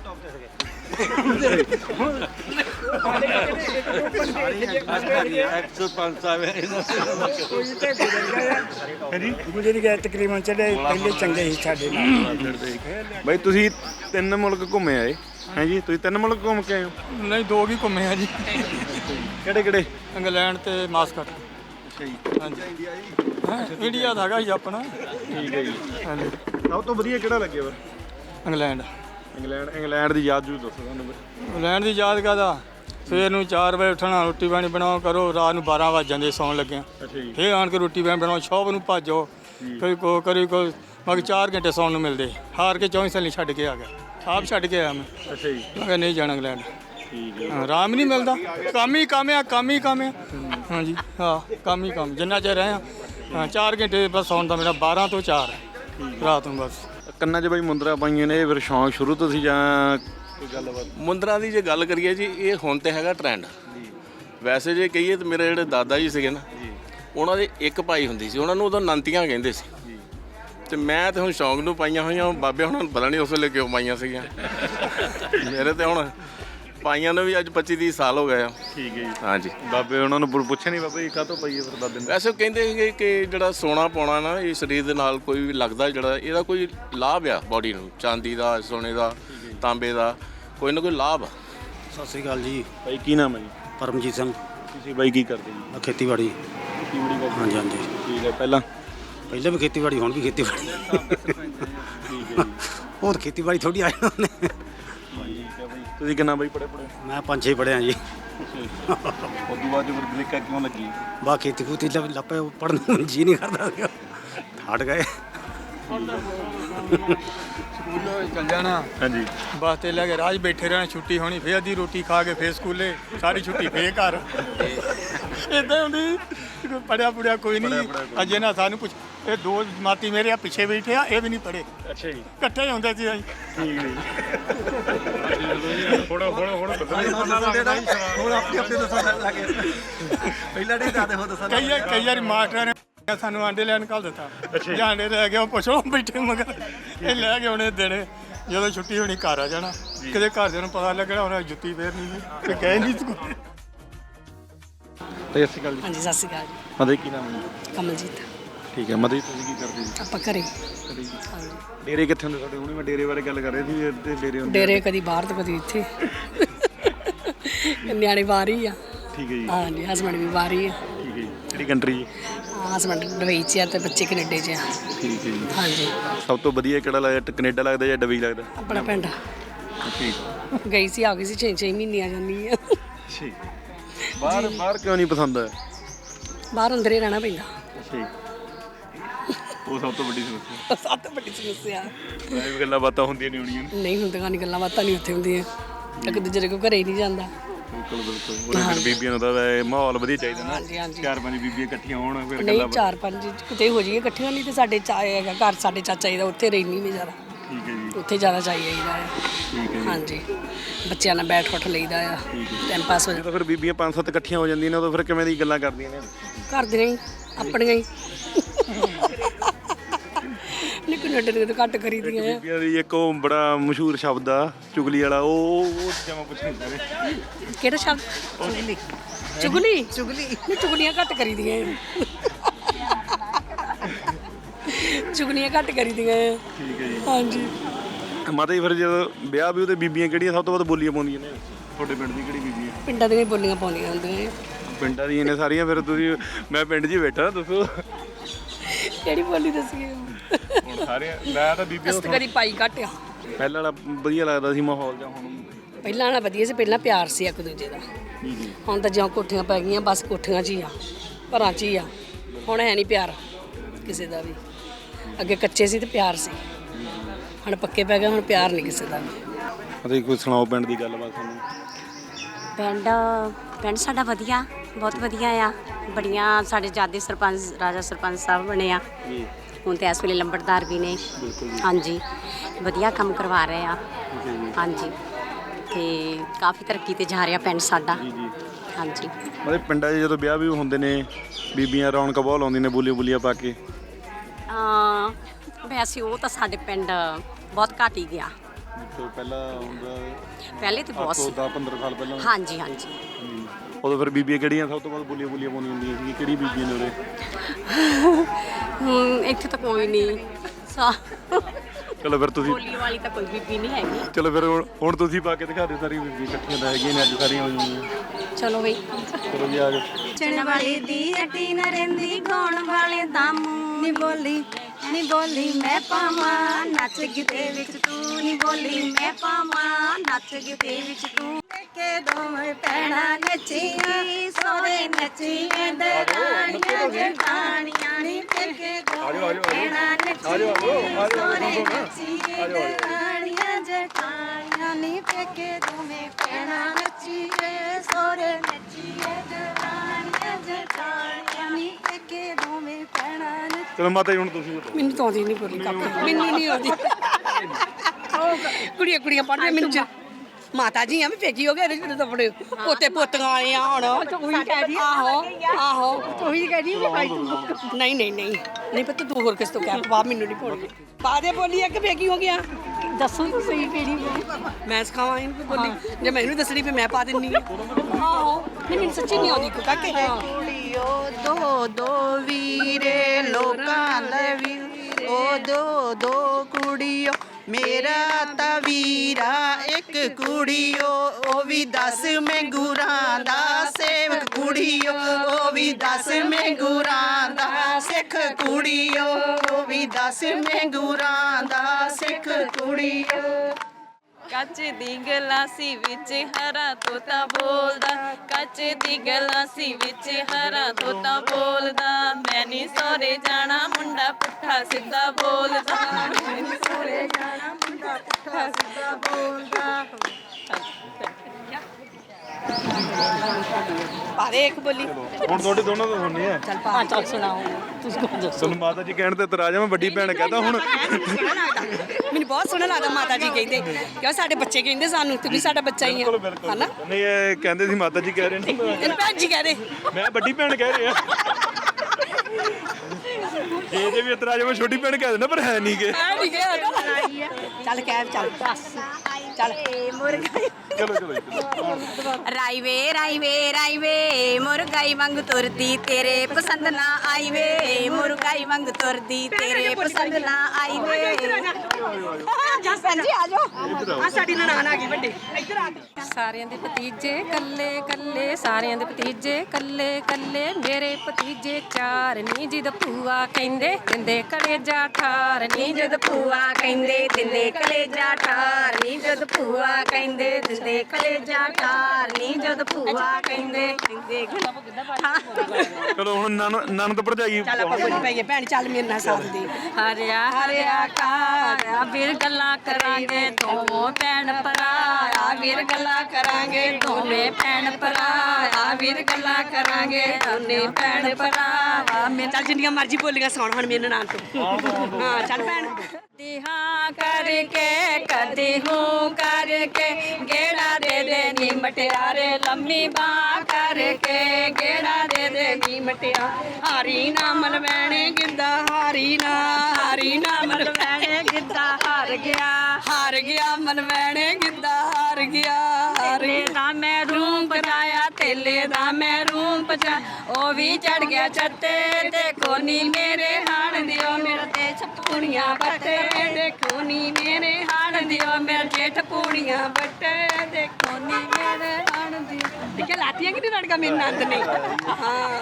Speaker 7: ਕੋਈ ਤੇ ਗੁਜ਼ਰ ਗਿਆ ਗੁਜ਼ਰ ਗਿਆ ਤਕਰੀਬਨ ਚੜੇ ਪਹਿਲੇ ਚੰਗੇ ਸੀ ਸਾਡੇ ਨਾਲ
Speaker 1: ਬਈ ਤੁਸੀਂ ਤਿੰਨ ਮੁਲਕ ਘੁੰਮੇ ਆਏ ਹੈ ਜੀ ਤੁਸੀਂ ਤਿੰਨ ਮੁਲਕ ਘੁੰਮ ਕੇ ਆਏ ਹੋ
Speaker 4: ਨਹੀਂ ਦੋ ਵੀ ਘੁੰਮੇ ਆ ਜੀ
Speaker 1: ਕਿਹੜੇ ਕਿਹੜੇ
Speaker 4: ਇੰਗਲੈਂਡ ਤੇ ਮਾਸਕਟ
Speaker 1: ਅੱਛਾ ਜੀ
Speaker 4: ਹਾਂਜੀ ਹਾਂ ਇੰਡੀਆ ਦਾ ਹੈਗਾ ਜੀ ਆਪਣਾ
Speaker 1: ਠੀਕ ਹੈ ਜੀ
Speaker 4: ਹਾਂਜੀ
Speaker 1: ਸਭ ਤੋਂ ਵਧੀਆ ਕਿਹੜਾ ਲੱਗਿਆ ਵਾ
Speaker 4: ਇੰਗਲੈਂਡ
Speaker 1: ਇੰਗਲੈਂਡ ਇੰਗਲੈਂਡ ਦੀ ਯਾਦ ਜੂ ਦੱਸੋ ਸਾਨੂੰ ਫਿਰ
Speaker 4: ਇੰਗਲੈਂਡ ਦੀ ਯਾਦ ਕਾਹਦਾ ਸਵੇਰ ਨੂੰ ਚਾਰ ਵਜੇ ਉੱਠਣਾ ਰੋਟੀ ਪਾਣੀ ਬਣਾਓ ਕਰੋ ਰਾਤ ਨੂੰ ਬਾਰਾਂ ਵੱਜ ਜਾਂਦੇ ਸੌਣ ਲੱਗਿਆ
Speaker 1: ਅੱਛਾ ਜੀ
Speaker 4: ਫੇਰ ਆਣ ਕੇ ਰੋਟੀ ਪਾਣੀ ਬਣਾਓ ਸ਼ੌਪ ਨੂੰ ਭੱਜੋ ਕਈ ਕੋ ਕਰੀ ਕੋ ਮਗ ਚਾਰ ਘੰਟੇ ਸੌਣ ਨੂੰ ਮਿਲਦੇ ਹਾਰ ਕੇ ਚੌਵੀ ਸਾਲ ਛੱਡ ਕੇ ਆ ਗਿਆ ਆਪ ਛੱਡ ਕੇ ਆਇਆ ਮੈਂ
Speaker 1: ਅੱਛਾ ਜੀ
Speaker 4: ਮੈਂ ਕਿਹਾ ਨਹੀਂ ਜਾਣਾ ਇੰਗਲੈਂਡ
Speaker 1: ਠੀਕ ਹੈ
Speaker 4: ਹਾਂ, ਆਰਾਮ ਨਹੀਂ ਮਿਲਦਾ ਕੰਮ ਹੀ ਕੰਮ ਆ ਕੰਮ ਹੀ ਕੰਮ ਆ ਹਾਂਜੀ ਹਾਂ ਕੰਮ ਹੀ ਕੰਮ ਜਿੰਨਾ ਚਿਰ ਰਹੇ ਹਾਂ ਚਾਰ ਘੰਟੇ ਬਸ ਸੌਣ ਦਾ ਮੇਰਾ ਬਾਰਾਂ ਤੋਂ ਚਾਰ ਰਾਤ ਨੂੰ ਬਸ
Speaker 1: ਕੰਨਾਂ 'ਚ ਬਈ ਮੁੰਦਰਾ ਪਾਈਆਂ ਨੇ ਇਹ ਫਿਰ ਸ਼ੌਂਕ ਸ਼ੁਰੂ ਤੋਂ ਸੀ ਜਾਂ ਕੋਈ ਗੱਲਬਾਤ
Speaker 2: ਮੁੰਦਰਾਂ ਦੀ ਜੇ ਗੱਲ ਕਰੀਏ ਜੀ ਇਹ ਹੁਣ ਤੇ ਹੈਗਾ ਟ੍ਰੈਂਡ ਵੈਸੇ ਜੇ ਕਹੀਏ ਤਾਂ ਮੇਰੇ ਜਿਹੜੇ ਦਾਦਾ ਜੀ ਸੀਗੇ ਨਾ ਉਹਨਾਂ ਦੇ ਇੱਕ ਭਾਈ ਹੁੰਦੀ ਸੀ ਉਹਨਾਂ ਨੂੰ ਉਦੋਂ ਨੰਤੀਆਂ ਕਹਿੰਦੇ ਸੀ ਤੇ ਮੈਂ ਤੇ ਹੁਣ ਸ਼ੌਂਕ ਨੂੰ ਪਾਈਆਂ ਹੋਈਆਂ ਬਾਬੇ ਹੁਣ ਪਤਾ ਨਹੀਂ ਉਸ ਵੇਲੇ ਕਿਉਂ ਪਾਈਆਂ ਸੀਗੀਆਂ ਮੇਰੇ ਤੇ ਹੁਣ ਪਾਈਆਂ ਨੂੰ ਵੀ ਅੱਜ ਪੱਚੀ ਤੀਹ ਸਾਲ ਹੋ ਗਏ ਆ
Speaker 1: ਠੀਕ ਹੈ ਜੀ
Speaker 2: ਹਾਂਜੀ
Speaker 1: ਬਾਬੇ ਉਹਨਾਂ ਨੂੰ ਪੁ- ਪੁੱਛਿਆ ਨਹੀਂ ਬਾਬੇ ਕਾਹ ਤੋਂ ਪਾਈਏ ਫਿਰ ਦਾਦੇ ਨੇ
Speaker 2: ਵੈਸੇ ਉਹ ਕਹਿੰਦੇ ਸੀਗੇ ਕਿ ਜਿਹੜਾ ਸੋਨਾ ਪਾਉਣਾ ਨਾ ਇਹ ਸਰੀਰ ਦੇ ਨਾਲ ਕੋਈ ਵੀ ਲੱਗਦਾ ਜਿਹੜਾ ਇਹਦਾ ਕੋਈ ਲਾਭ ਆ ਬਾਡੀ ਨੂੰ ਚਾਂਦੀ ਦਾ ਸੋਨੇ ਦਾ ਤਾਂਬੇ ਦਾ ਕੋਈ ਨਾ ਕੋਈ ਲਾਭ ਆ
Speaker 10: ਸਤਿ ਸ੍ਰੀ ਅਕਾਲ ਜੀ
Speaker 1: ਬਾਈ ਕੀ ਨਾਮ ਹੈ ਜੀ
Speaker 10: ਪਰਮਜੀਤ ਸਿੰਘ
Speaker 1: ਤੁਸੀਂ ਬਾਈ ਕੀ ਕਰਦੇ ਜੀ
Speaker 10: ਖੇਤੀਬਾੜੀ
Speaker 1: ਖੇਤੀਬਾੜੀ ਕਰਦੇ
Speaker 10: ਹਾਂਜੀ ਹਾਂਜੀ
Speaker 1: ਠੀਕ ਹੈ ਪਹਿਲਾਂ
Speaker 10: ਪਹਿਲਾਂ ਵੀ ਖੇਤੀਬਾੜੀ ਹੁਣ ਵੀ ਖੇਤੀਬਾੜੀ ਉਹ ਤਾਂ ਖੇਤੀਬਾੜੀ ਥੋੜੀ ਆਏ ਨੇ।
Speaker 1: ਤੁਸੀਂ ਕਿੰਨਾ ਬਈ ਪੜ੍ਹੇ ਪੜ੍ਹੇ?
Speaker 10: ਮੈਂ ਪੰਜ ਛੇ ਪੜ੍ਹਿਆ ਜੀ।
Speaker 1: ਉਸ ਤੋਂ ਬਾਅਦ ਜੋ ਵਰਦਲਿਕਾ ਕਿਉਂ ਲੱਗੀ?
Speaker 10: ਬਾ ਖੇਤੀ ਖੂਤੀ ਲੱਭ- ਲੱਪੇ ਪੜ੍ਹਨ ਨੂੰ ਜੀ ਨਹੀਂ ਕਰਦਾ ਸੀਗਾ। ਹਟ ਗਏ।
Speaker 11: ਸਕੂਲੋਂ ਚੱਲ ਜਾਣਾ
Speaker 1: ਹਾਂਜੀ
Speaker 11: ਬੱਸ ਤੇ ਲੈ ਕੇ ਰਾਜ ਬੈਠੇ ਰਹਿਣਾ, ਛੁੱਟੀ ਹੋਣੀ ਫੇਰ ਅੱਧੀ ਰੋਟੀ ਖਾ ਕੇ ਫੇਰ ਸਕੂਲੇ, ਸਾਰੀ ਛੁੱਟੀ ਫੇਰ ਘਰ। ਇਦਾਂ ਹੁੰਦੀ ਪੜਿਆ ਪੁੜਿਆ ਕੋਈ ਨਹੀਂ। ਅਜੇ ਨਾ ਸਾਨੂੰ ਕੁਛ, ਇਹ ਦੋ ਜਮਾਤੀ ਮੇਰੇ ਆ ਪਿੱਛੇ ਬੈਠੇ ਆ, ਇਹ ਵੀ ਨਹੀਂ ਪੜੇ।
Speaker 1: ਅੱਛਾ ਜੀ
Speaker 11: ਇਕੱਠੇ ਹੁੰਦੇ ਸੀ ਅਸੀਂ।
Speaker 1: ਠੀਕ ਹੈ ਹੁਣ ਹੁਣ ਹੁਣ
Speaker 11: ਹੁਣ ਆਪਣੀ ਆਪਣੀ ਦੱਸਣ ਲੱਗੇ।
Speaker 1: ਪਹਿਲਾਂ ਨਹੀਂ ਦਾਦੇ ਹੋ ਦੱਸਣਾ।
Speaker 11: ਕਈ ਕਈ ਵਾਰੀ ਮਾਸਟਰਾਂ ਨੇ ਸਾਨੂੰ ਆਂਡੇ ਲੈਣ ਘੱਲ ਦਿੱਤਾ। ਜਾਂਡੇ ਲੈ ਕੇ ਉਹ ਪੁੱਛੋ ਬੈਠੇ ਮਗਰ, ਇਹ ਲੈ ਕੇ ਉਹਨੇ ਦੇਣੇ। ਜਦੋਂ ਛੁੱਟੀ ਹੋਣੀ ਘਰ ਆ ਜਾਣਾ। ਕਿਤੇ ਘਰਦਿਆਂ ਨੂੰ ਪਤਾ ਲੱਗਣਾ ਉਹਨੇ ਜੁੱਤੀ ਫੇਰਨੀ ਤੇ ਗਏ ਨਹੀਂ ਸਕੂਲ।
Speaker 1: ਤੇ ਅਸੀਂ ਗੱਲ
Speaker 12: ਹਾਂਜੀ ਸਤਿ ਸ਼੍ਰੀ ਅਕਾਲ ਜੀ।
Speaker 1: ਮਦੇ ਕੀ ਨਾਮ ਹੈ?
Speaker 12: ਕਮਲਜੀਤ।
Speaker 1: ਠੀਕ ਹੈ ਮਦੇ, ਤੁਸੀਂ ਕੀ ਕਰਦੇ ਜੀ?
Speaker 12: ਆਪਾਂ ਘਰੇ।
Speaker 1: ਹਾਂਜੀ ਡੇਰੇ ਕਿੱਥੇ ਹੁੰਦੇ ਤੁਹਾਡੇ? ਹੁਣੇ ਮੈਂ ਡੇਰੇ ਬਾਰੇ ਗੱਲ ਕਰ ਰਿਹਾ ਸੀ। ਇੱਥੇ ਡੇਰੇ ਹੁੰਦੇ?
Speaker 12: ਡੇਰੇ ਕਦੀ ਬਾਹਰ ਤੇ ਕਦੀ ਇੱਥੇ। ਨਿਆਣੇ ਬਾਹਰ ਹੀ ਆ।
Speaker 1: ਠੀਕ ਹੈ ਜੀ।
Speaker 12: ਹਾਂਜੀ ਹਸਬੈਂਡ ਵੀ ਬਾਹਰ ਹੀ ਆ।
Speaker 1: ਠੀਕ ਹੈ ਜੀ। ਕਿਹੜੀ ਕੰਟਰੀ ਜੀ?
Speaker 12: ਹਸਬੈਂਡ ਦੁਬਈ 'ਚ ਆ ਤੇ ਬੱਚੇ ਕੈਨੇਡਾ 'ਚ ਆ।
Speaker 1: ਠੀਕ ਹੈ ਜੀ।
Speaker 12: ਹਾਂਜੀ
Speaker 1: ਸਭ ਤੋਂ ਵਧੀਆ ਕਿਹੜਾ ਲੱਗਦਾ? ਕੈਨੇਡਾ ਲੱਗਦਾ ਜਾਂ ਦੁਬਈ ਲੱਗਦਾ?
Speaker 12: ਆਪਣਾ ਪਿੰਡ
Speaker 1: ਠੀਕ।
Speaker 12: ਗਈ ਸੀ, ਆ ਗਈ ਸੀ, ਛੇ ਛੇ ਮਹੀਨੇ ਆ ਜਾਂਦੀ ਆ।
Speaker 1: ਠੀਕ। ਬਾਹਰ ਬਾਹਰ ਕਿਉਂ ਨਹੀਂ ਪਸੰਦ ਹੈ?
Speaker 12: ਬਾਹਰ ਅੰਦਰ ਹੀ ਰਹਿਣਾ ਪੈਂਦਾ।
Speaker 1: ਠੀਕ। ਉਹ ਸਭ ਤੋਂ ਵੱਡੀ ਸਮੱਸਿਆ।
Speaker 12: ਸਭ ਤੋਂ ਵੱਡੀ ਸਮੱਸਿਆ।
Speaker 1: ਇਹ ਗੱਲਾਂ ਬਾਤਾਂ ਹੁੰਦੀਆਂ ਨਹੀਂ ਹੋਣੀਆਂ।
Speaker 12: ਨਹੀਂ ਹੁੰਦੀਆਂ ਨਹੀਂ ਗੱਲਾਂ ਬਾਤਾਂ, ਨਹੀਂ ਉੱਥੇ ਹੁੰਦੀਆਂ। ਇੱਕ ਦੂਜੇ ਦੇ ਕੋਲ ਘਰੇ ਹੀ ਨਹੀਂ ਜਾਂਦਾ।
Speaker 1: ਬਿਲਕੁਲ ਬਿਲਕੁਲ। ਉਹਦੇ ਫਿਰ ਬੀਬੀਆਂ ਨੂੰ ਤਾਂ ਵੈਸੇ ਮਾਹੌਲ ਵਧੀਆ ਚਾਹੀਦਾ ਨਾ।
Speaker 12: ਹਾਂਜੀ ਹਾਂਜੀ।
Speaker 1: ਚਾਰ ਪੰਜ ਬੀਬੀਆਂ ਇਕੱਠੀਆਂ ਹੋਣ ਫਿਰ
Speaker 12: ਨਹੀਂ
Speaker 1: ਗੱਲਾਂ।
Speaker 12: ਚਾਰ ਪੰਜ ਕਿਤੇ ਹੋ ਜਾਈਏ ਇਕੱਠੀਆਂ, ਨਹੀਂ ਤੇ ਸਾਡੇ ਚਾਏ ਹੈਗਾ ਘਰ, ਸਾਡੇ ਚਾਚਾ ਜੀ ਦਾ ਉੱਥੇ ਰਹਿਣੀ ਨਹੀਂ ਜ਼ਿਆਦਾ।
Speaker 1: ਠੀਕ ਹੈ ਜੀ।
Speaker 12: ਉੱਥੇ ਜ਼ਿਆਦਾ ਚਾਹੀਦਾ ਇਹਦਾ ਹੈ।
Speaker 1: ਠੀਕ ਹੈ।
Speaker 12: ਹਾਂਜੀ ਬੱਚਿਆਂ ਨਾਲ ਬੈਠ ਉੱਠ ਲਈਦਾ ਆ, ਟਾਈਮ ਪਾਸ ਹੋ ਜਾਂਦਾ।
Speaker 1: ਜਦੋਂ ਫਿਰ ਬੀਬੀਆਂ ਪੰਜ ਸੱਤ ਇਕੱਠੀਆਂ ਹੋ ਜਾਂਦੀਆਂ ਨੇ ਉਦੋਂ ਫਿਰ ਕਿਵੇਂ ਦੀ ਗੱਲਾਂ ਕਰਦੀਆਂ ਨੇ?
Speaker 12: ਘਰ ਦੀਆਂ ਹੀ, ਆਪਣੀਆਂ ਹੀ। ਨਿੱਕ ਨੱਡੇ ਦੇ ਘੱਟ ਕਰੀਦੀਆਂ ਆ।
Speaker 1: ਬੀਬੀਆਂ ਦੀ ਇੱਕ ਉਹ ਬੜਾ ਮਸ਼ਹੂਰ ਸ਼ਬਦ ਆ ਚੁਗਲੀ ਵਾਲਾ, ਉਹ ਉਹ ਜਮਾ ਕੁਛ ਨਹੀਂ ਕਰਦੇ।
Speaker 12: ਕਿਹੜਾ ਸ਼ਬਦ? ਚੁਗਲੀ। ਚੁਗਲੀ ਚੁਗਲੀ ਨਹੀਂ, ਚੁਗਲੀਆਂ ਘੱਟ ਕਰੀਦੀਆਂ ਆ। ਚੁਗਲੀਆਂ ਘੱਟ ਕਰੀਦੀਆਂ ਆ।
Speaker 1: ਠੀਕ ਹੈ ਜੀ।
Speaker 12: ਹਾਂਜੀ
Speaker 1: ਮਾਤਾ ਜੀ ਫਿਰ ਜਦੋਂ ਵਿਆਹ ਵੀ ਉਹਦੇ ਬੀਬੀਆਂ ਕਿਹੜੀਆਂ ਸਭ ਤੋਂ ਵੱਧ ਬੋਲੀਆਂ ਪਾਉਂਦੀਆਂ ਨੇ? ਤੁਹਾਡੇ ਪਿੰਡ ਦੀ ਕਿਹੜੀ ਬੀਬੀ ਹੈ?
Speaker 12: ਪਿੰਡਾਂ ਦੀਆਂ ਹੀ ਬੋਲੀਆਂ ਪਾਉਂਦੀਆਂ ਹੁੰਦੀਆਂ ਆ।
Speaker 1: ਪਿੰਡਾਂ ਦੀਆਂ ਨੇ ਸਾਰੀਆਂ। ਫਿਰ ਤੁਸੀਂ, ਮੈਂ ਪਿੰਡ 'ਚ ਹੀ ਬੈਠਾ, ਦੱਸੋ
Speaker 12: ਕਿਹੜੀ ਬੋਲੀ ਦੱਸੀਏ?
Speaker 1: ਹੁਣ ਸਾਰੇ ਮੈਂ ਤਾਂ ਬੀਬੀਆਂ
Speaker 12: ਅਸੀਂ ਤਾਂ ਕਦੀ ਪਾਈ ਘੱਟ ਆ।
Speaker 1: ਪਹਿਲਾਂ ਵਾਲਾ ਵਧੀਆ ਲੱਗਦਾ ਸੀ ਮਾਹੌਲ ਜਾਂ ਹੁਣ?
Speaker 12: ਪਹਿਲਾਂ ਵਾਲਾ ਵਧੀਆ ਸੀ, ਪਹਿਲਾਂ ਪਿਆਰ ਸੀ ਇੱਕ ਦੂਜੇ ਦਾ। ਹੁਣ ਤਾਂ ਜਿਉਂ ਕੋਠੀਆਂ ਪੈ ਗਈਆਂ, ਬਸ ਕੋਠੀਆਂ 'ਚ ਹੀ ਆ, ਘਰਾਂ 'ਚ ਹੀ ਆ। ਹੁਣ ਹੈ ਨਹੀਂ ਪਿਆਰ ਕਿਸੇ ਦਾ ਵੀ। ਅੱਗੇ ਕੱਚੇ ਸੀ ਤੇ ਪਿਆਰ ਸੀ, ਹੁਣ ਪੱਕੇ ਪੈ ਗਏ, ਹੁਣ ਪਿਆਰ ਨਹੀਂ ਕਿਸੇ ਦਾ ਵੀ।
Speaker 1: ਅਤੇ ਕੋਈ ਸੁਣਾਓ ਪਿੰਡ ਦੀ ਗੱਲਬਾਤ ਸਾਨੂੰ।
Speaker 13: ਪਿੰਡ ਪਿੰਡ ਸਾਡਾ ਵਧੀਆ, ਬਹੁਤ ਵਧੀਆ ਆ। ਬੜੀਆਂ ਸਾਡੇ ਜਾਦੇ ਸਰਪੰਚ ਰਾਜਾ ਸਰਪੰਚ ਸਾਹਿਬ ਬਣੇ ਆ। ਹੁਣ ਤੇ ਇਸ ਵੇਲੇ ਲੰਬੜਦਾਰ ਵੀ ਨੇ। ਹਾਂਜੀ ਵਧੀਆ ਕੰਮ ਕਰਵਾ ਰਹੇ ਆ। ਹਾਂਜੀ ਤੇ ਕਾਫੀ ਤਰੱਕੀ ਤੇ ਜਾ ਰਿਹਾ ਪਿੰਡ ਸਾਡਾ। ਹਾਂਜੀ
Speaker 1: ਮਤਲਬ ਪਿੰਡਾਂ 'ਚ ਜਦੋਂ ਵਿਆਹ ਵੀ ਹੁੰਦੇ ਨੇ ਬੀਬੀਆਂ ਰੌਣਕ ਬਹੁਤ ਲਾਉਂਦੀਆਂ ਨੇ ਬੋਲੀਆਂ ਬੋਲੀਆਂ ਪਾ ਕੇ।
Speaker 13: ਵੈਸੇ ਉਹ ਤਾਂ ਸਾਡੇ ਪਿੰਡ ਬਹੁਤ ਘੱਟ ਹੀ ਗਿਆ।
Speaker 1: ਪਹਿਲਾਂ ਹੁੰਦਾ
Speaker 13: ਪਹਿਲੇ ਤੇ ਬਹੁਤ ਸੀ,
Speaker 1: ਦਸ ਪੰਦਰਾਂ ਸਾਲ ਪਹਿਲਾਂ।
Speaker 13: ਹਾਂਜੀ ਹਾਂਜੀ।
Speaker 1: ਉਦੋਂ ਫਿਰ ਬੀਬੀਆਂ ਕਿਹੜੀਆਂ ਸਭ ਤੋਂ ਵੱਧ ਬੋਲੀਆਂ ਬੋਲੀਆਂ ਪਾਉਂਦੀਆਂ ਹੁੰਦੀਆਂ ਸੀ? ਕਿਹੜੀ ਬੀਬੀਆਂ ਨੇ ਉਰੇ?
Speaker 13: ਹੁਣ ਇੱਥੇ ਤਾਂ ਕੋਈ ਨਹੀਂ।
Speaker 1: ਚਲੋ ਫਿਰ ਤੁਸੀਂ,
Speaker 13: ਬੋਲੀ ਵਾਲੀ ਤਾਂ ਕੋਈ ਬੀਬੀ ਨਹੀਂ ਹੈਗੀ।
Speaker 1: ਚਲੋ ਫਿਰ ਹੁਣ ਹੁਣ ਤੁਸੀਂ ਪਾ ਕੇ ਦਿਖਾ ਦਿਓ ਸਾਰੀਆਂ ਬੀਬੀਆਂ ਇਕੱਠੀਆਂ ਤਾਂ ਹੈਗੀਆਂ ਨੇ ਅੱਜ ਸਾਰੀਆਂ ਹੋਈਆਂ।
Speaker 13: ਚਲੋ ਬਈ।
Speaker 1: ਚਲੋ ਜੀ ਆ ਜਾਓ।
Speaker 6: ਚਣ ਵਾਲੀ ਦੀ ਅੱਟੀ ਨਾ ਰਹਿੰਦੀ, ਗਾਉਣ ਵਾਲੇ ਦਾ ਮੂੰਹ ਨੀ ਬੋਲੀ ਨੀ ਬੋਲੀ ਮੈਂ ਪਾਵਾਂ ਨੱਚ ਗਿੱਧੇ ਵਿੱਚ ਤੂੰ ਨੀ ਬੋਲੀ ਮੈਂ ਪਾਵਾਂ ਨੱਚ ਗਿੱਧੇ ਵਿੱਚ ਤੂੰ। ਕੇ ਦੋਵੇਂ ਭੈਣਾਂ ਨੱਚੀਆਂ ਸੋਹਰੇ ਨੱਚੀਆਂ ਦਰਾਣੀਆਂ ਜਠਾਣੀਆਂ ਨੀ ਪੇਕੇ ਦੋਵੇਂ ਭੈਣਾਂ ਨੱਚੀਆਂ ਸੋਹਰੇ ਨੱਚੀਆਂ ਦਰਾਣੀਆਂ ਜਠਾਣੀਆਂ ਨੀ ਪੇਕੇ ਦੋਵੇਂ ਭੈਣਾਂ ਨੱਚੀਏ ਸੋਹਰੇ ਨੱਚੀਏ ਦਰਾਣੀਆਂ ਜਠਾਣੀਆਂ ਨੀ ਪੇਕੇ ਦੋਵੇਂ ਭੈਣਾਂ ਨੱਚੀਏ।
Speaker 1: ਚਲੋ ਮਾਤਾ ਜੀ ਹੁਣ ਤੁਸੀਂ ਬਤਾਓ।
Speaker 12: ਮੈਨੂੰ ਤਾਂ ਆਉਂਦੀ ਨਹੀਂ ਬੋਲੀ ਕਾਪੀ, ਮੈਨੂੰ ਨਹੀਂ ਆਉਂਦੀ। ਕੁੜੀਆਂ ਕੁੜੀਆਂ ਪੜ੍ਹਦੀਆਂ ਮੈਨੂੰ ਚ- ਮਾਤਾ ਜੀ ਆ ਵੀ ਫੇਕੀ ਹੋ ਗਏ ਇਹਦੇ ਜਿਹੜੇ ਆਪਣੇ ਪੋਤੇ ਪੋਤੀਆਂ ਆਏ ਆ ਹੁਣ। ਉਹੀ ਕਹਿ ਰਹੀ ਆਹੋ ਆਹੋ ਉਹੀ ਕਹਿ ਰਹੀ ਨਹੀਂ ਨਹੀਂ ਨਹੀਂ ਨਹੀਂ ਪਤਾ ਤੂੰ ਹੋਰ ਕਿਸ ਤੋਂ ਕਹਿ ਪਾ, ਮੈਨੂੰ ਨਹੀਂ ਬੋਲੀ। ਪਾ ਦੇ ਬੋਲੀ ਆ ਕਿ ਫੇਕੀ ਹੋ ਗਿਆ? ਦੱਸੋ ਤਾਂ ਸਹੀ ਕਿਹੜੀ ਬੋਲੀ ਮੈਂ ਸਿਖਾਵਾਂ ਇਹਨੂੰ ਬੋਲੀ, ਜੇ ਮੈਨੂੰ ਦੱਸਣੀ ਫਿਰ ਮੈਂ ਪਾ ਦਿੰਨੀ ਆ। ਆਹੋ ਨਹੀਂ ਮੈਨੂੰ ਸੱਚੀ ਨਹੀਂ ਆਉਂਦੀ ਕੋ ਕਾਕੇ।
Speaker 6: ਕੁੜੀਓ ਦੋ ਦੋ ਵੀਰੇ ਲੋਕਾਂ ਲਵੀ ਓ ਦੋ ਦੋ ਕੁੜੀਓ ਮੇਰਾ ਤਾਂ ਵੀਰਾ ਇੱਕ
Speaker 14: ਕੁੜੀਓ ਉਹ ਵੀ ਦਸ ਮੰਗੂਰਾਂ ਦਾ ਸੇਵਕ ਕੁੜੀਓ ਉਹ ਵੀ ਦਸ ਮੰਗੂਰਾਂ ਦਾ ਸਿੱਖ ਕੁੜੀਓ ਉਹ ਵੀ ਦਸ ਮੰਗੂਰਾਂ ਦਾ ਸਿੱਖ ਕੁੜੀਓ
Speaker 6: ਕੱਚ ਦੀ ਗਲਾਸੀ ਵਿੱਚ ਹਰਾ ਤੋਤਾ ਬੋਲਦਾ ਕੱਚ ਦੀ ਗਲਾਸੀ ਵਿੱਚ ਹਰਾ ਤੋਤਾ ਬੋਲਦਾ ਮੈਂ ਨੀ ਸੋਰੇ ਜਾਣਾ ਮੁੰਡਾ ਪੁੱਠਾ ਸਿੱਧਾ ਬੋਲਦਾ ਮੈਂ ਨੀ ਸੋਰੇ ਜਾਣਾ ਮੁੰਡਾ ਪੁੱਠਾ ਸਿੱਧਾ ਬੋਲਦਾ
Speaker 12: ਪਾਰੇ ਇੱਕ ਬੋਲੀ
Speaker 1: ਹੁਣ ਤੁਹਾਡੇ ਦੋਨੋਂ ਤੋਂ ਸੁਣਨੀ ਹੈ।
Speaker 12: ਚੱਲ ਪਾ ਚੱਲ ਸੁਣਾਓ ਤੁਸੀਂ
Speaker 1: ਤੁਹਾਨੂੰ ਮਾਤਾ ਜੀ ਕਹਿਣ ਤੇ ਇਤਰਾਜ਼ ਆ, ਮੈਂ ਵੱਡੀ ਭੈਣ ਕਹਤਾ ਹੁਣ
Speaker 12: ਮੈਨੂੰ ਬਹੁਤ ਸੋਹਣਾ ਲੱਗਦਾ ਮਾਤਾ ਜੀ ਕਹਿੰਦੇ ਕਿਉਂ ਸਾਡੇ ਬੱਚੇ ਕਹਿੰਦੇ ਸਾਨੂੰ ਤੂੰ ਵੀ ਸਾਡਾ ਬੱਚਾ ਹੀ ਆ ਹਨਾ
Speaker 1: ਨਹੀਂ ਇਹ ਕਹਿੰਦੇ ਸੀ ਮਾਤਾ ਜੀ ਕਹਿ ਰਹੇ ਨੇ
Speaker 12: ਇਹ ਭੈਣ ਜੀ ਕਹਦੇ
Speaker 1: ਮੈਂ ਵੱਡੀ ਭੈਣ ਕਹਿ ਰਿਹਾ ਜੇ ਜੇ ਵੀ ਇਤਰਾਜ਼ ਆ, ਮੈਂ ਛੋਟੀ ਭੈਣ ਕਹਿ ਦਿੰਦਾ ਪਰ ਹੈ ਨਹੀਂ ਗੇ
Speaker 12: ਨਹੀਂ ਗਿਆ ਚੱਲ ਕਹਿ ਚੱਲ ਚੱਲ ਮੁਰਗਾ
Speaker 1: ਚਲੋ ਚਲੋ
Speaker 13: ਰਾਈ ਵੇ ਰਾਈ ਵੇ ਰਾਈ ਵੇ ਮੁਰਗਾਈ ਵਾਂਗ ਤੁਰਦੀ ਤੇਰੇ ਪਸੰਦ ਨਾ ਆਈ ਵੇ ਮੁਰਗਾਈ ਵਾਂਗ ਤੁਰਦੀ ਤੇਰੇ ਪਸੰਦ ਨਾ ਆਈ ਵੇ
Speaker 12: ਜਾ ਭੈਣ ਜੀ ਆ ਜਾਓ ਆ ਸਾਡੀ ਨਨਾਣ ਆ ਗਈ ਵੱਡੀ ਇੱਧਰ ਆ
Speaker 6: ਸਾਰਿਆਂ ਦੇ ਭਤੀਜੇ ਕੱਲੇ ਕੱਲੇ ਸਾਰਿਆਂ ਦੇ ਭਤੀਜੇ ਕੱਲੇ ਕੱਲੇ ਮੇਰੇ ਭਤੀਜੇ ਚਾਰ ਨੀ ਜਦ ਭੂਆ ਕਹਿੰਦੇ ਦਿੰਦੇ ਕਲੇਜਾ ਠਾਰ ਨੀ ਜਦ ਭੂਆ ਕਹਿੰਦੇ ਦਿੰਦੇ ਕਲੇਜਾ ਠਾਰ ਨੀ ਜਦ ਭੂਆ ਕਹਿੰਦੇ ਦਿੰਦੇ ਕਲੇਜਾ ਠਾਰ ਨੀ ਜਦ ਭੂਆ ਕਹਿੰਦੇ ਦਿੰਦੇ
Speaker 1: ਚਲੋ ਹੁਣ ਨਨ ਨਨਦ ਭਰਜਾਈ
Speaker 12: ਚੱਲ ਆਪਾਂ ਬੋਲੀ ਪਾਈਏ ਭੈਣ ਚੱਲ ਮੇਰੇ ਨਾਲ ਸਾਥ ਦੇ
Speaker 6: ਹਰਿਆ ਹਰਿਆ ਕਾਰਾ ਵੀਰ ਗੱਲਾਂ ਕਰਾਂਗੇ ਦੋਵੇਂ ਭੈਣ ਭਰਾ ਆ ਵੀਰ ਗੱਲਾਂ ਕਰਾਂਗੇ ਦੋਵੇਂ ਭੈਣ ਭਰਾ ਆ ਵੀਰ ਗੱਲਾਂ ਕਰਾਂਗੇ ਦੋਨੇ ਭੈਣ ਭਰਾ
Speaker 12: ਮੈਂ ਚੱਲ ਜਿੰਨੀਆਂ ਮਰਜ਼ੀ ਬੋਲੀਆਂ ਸੁਣ ਹੁਣ ਮੇਰੇ ਨਾਲ ਤੂੰ ਹਾਂ ਚੱਲ ਭੈਣ
Speaker 6: ਹਾਂ ਕਰਕੇ ਕਦੇ ਹੂੰ ਕਰਕੇ ਗੇੜਾ ਦੇ ਦੇ ਨੀ ਮਟਿਆਰੇ ਲੰਮੀ ਬਾਹ ਕਰਕੇ ਗੇੜਾ ਦੇ ਦੇ ਨੀ ਮਟਿਆ
Speaker 12: ਹਾਰੀ ਨਾ ਮਲਵੈਣੇ ਗਿੱਧਾ ਹਾਰੀ ਨਾ ਹਾਰੀ ਨਾ ਮਲਵੈਣੇ
Speaker 6: ਗਿੱਧਾ ਹਾਰ ਗਿਆ
Speaker 12: ਹਾਰ ਗਿਆ ਮਲਵੈਣੇ ਗਿੱਧਾ ਹਾਰ ਗਿਆ
Speaker 6: ਤੇਲੇ ਦਾ ਮੈਂ ਰੂਮ ਪਜਾਇਆ ਤੇਲੇ ਦਾ ਮੈਂ ਰੂਮ ਪਜਾ ਉਹ ਵੀ ਚੜ ਗਿਆ ਛੱਤੇ ਦੇਖੋ ਨੀ ਮੇਰੇ ਹਾਣ ਦਿਓ ਮੇਰਾ ਤੇ ਛਪੂਣੀਆਂ ਬੱਟੇ ਦੇਖੋ ਨੀ ਮੇਰੇ ਹਾਣ ਦਿਓ ਮੇਰਾ ਜੇਠ ਪੂਣੀਆਂ ਬੱਟੇ ਦੇਖੋ ਨੀ ਮੇਰੇ ਹਾਣ ਦਿਓ
Speaker 12: ਤੇ ਲਾਤੀਆਂ ਕਿ ਨਹੀਂ ਰੜਗਾ ਮੇਰੇ ਨੰਦ ਨੇ ਹਾਂ